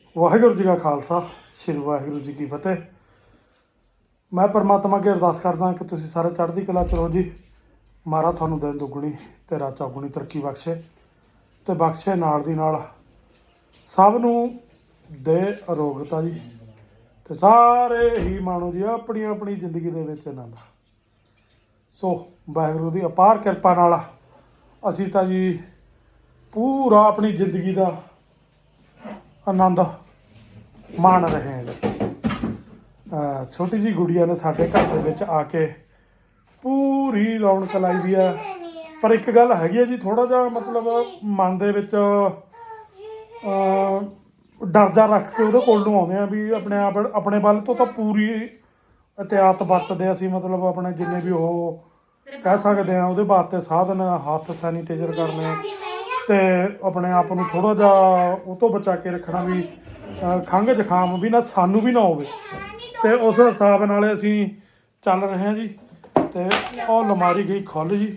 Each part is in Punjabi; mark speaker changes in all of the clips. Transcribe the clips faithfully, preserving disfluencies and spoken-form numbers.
Speaker 1: ਵਾਹਿਗੁਰੂ ਜੀ ਕਾ ਖਾਲਸਾ ਸ਼੍ਰੀ ਵਾਹਿਗੁਰੂ ਜੀ ਕੀ ਫਤਿਹ। ਮੈਂ परमात्मा ਅੱਗੇ ਅਰਦਾਸ ਕਰਦਾ ਕਿ ਤੁਸੀਂ ਸਾਰੇ ਚੜ੍ਹਦੀ ਕਲਾ 'ਚ ਰਹੋ ਜੀ। ਮਹਾਰਾਜ ਤੁਹਾਨੂੰ ਦਿਨ ਦੁੱਗਣੀ ਤੇ ਰਾਤ ਚੌਗੁਣੀ ਤਰੱਕੀ ਬਖਸ਼ੇ ਤੇ ਬਖਸ਼ੇ ਨਾਲ ਦੀ ਨਾਲ ਸਭ ਨੂੰ ਦੇ ਅਰੋਗਤਾ ਜੀ ਤੇ ਸਾਰੇ ਹੀ ਮਾਣੋ ਜੀ ਆਪਣੀ ਆਪਣੀ ਜ਼ਿੰਦਗੀ ਦੇ ਵਿੱਚ ਆਨੰਦ। ਸੋ ਵਾਹਿਗੁਰੂ ਦੀ ਅਪਾਰ ਕਿਰਪਾ ਨਾਲ ਅਸੀਂ ਤਾਂ ਜੀ ਪੂਰਾ ਆਪਣੀ ਜ਼ਿੰਦਗੀ ਦਾ ਆਨੰਦ ਮਾਣ ਰਹੇ ਹਾਂ ਜੀ। ਛੋਟੀ ਜਿਹੀ ਗੁੜੀਆ ਨੇ ਸਾਡੇ ਘਰ ਦੇ ਵਿੱਚ ਆ ਕੇ ਪੂਰੀ ਰੌਣਕ ਲਾਈ ਵੀ ਆ। ਪਰ ਇੱਕ ਗੱਲ ਹੈਗੀ ਹੈ ਜੀ, ਥੋੜ੍ਹਾ ਜਿਹਾ ਮਤਲਬ ਮਨ ਦੇ ਵਿੱਚ ਡਰ ਜਾ ਰੱਖ ਕੇ ਉਹਦੇ ਕੋਲ ਨੂੰ ਆਉਂਦੇ ਆ ਵੀ ਆਪਣੇ ਆਪ ਆਪਣੇ ਵੱਲ ਤੋਂ ਤਾਂ ਪੂਰੀ ਇਹਤਿਆਤ ਵਰਤਦੇ ਅਸੀਂ, ਮਤਲਬ ਆਪਣੇ ਜਿੰਨੇ ਵੀ ਉਹ ਕਹਿ ਸਕਦੇ ਆ ਉਹਦੇ ਵਾਸਤੇ ਸਾਧਨ, ਹੱਥ ਸੈਨੀਟਾਈਜ਼ਰ ਕਰਨੇ ਤੇ ਆਪਣੇ ਆਪ ਨੂੰ ਥੋੜ੍ਹਾ ਜਿਹਾ ਉਹ ਤੋਂ ਬਚਾ ਕੇ ਰੱਖਣਾ ਵੀ ਖੰਘ ਜ਼ੁਕਾਮ ਵੀ ਨਾ ਸਾਨੂੰ ਵੀ ਨਾ ਹੋਵੇ। ਤੇ ਉਸ ਹਿਸਾਬ ਨਾਲ ਅਸੀਂ ਚੱਲ ਰਹੇ ਹਾਂ ਜੀ। ਤੇ ਉਹ ਅਲਮਾਰੀ ਗਈ ਖੁੱਲ ਜੀ।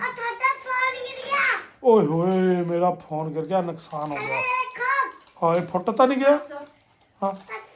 Speaker 1: ਓਏ ਹੋਏ ਮੇਰਾ ਫੋਨ ਗਿਰ ਗਿਆ, ਨੁਕਸਾਨ ਹੋ ਗਿਆ। ਹਾਏ ਫੁੱਟ ਤਾਂ ਨਹੀਂ ਗਿਆ? ਹਾਂ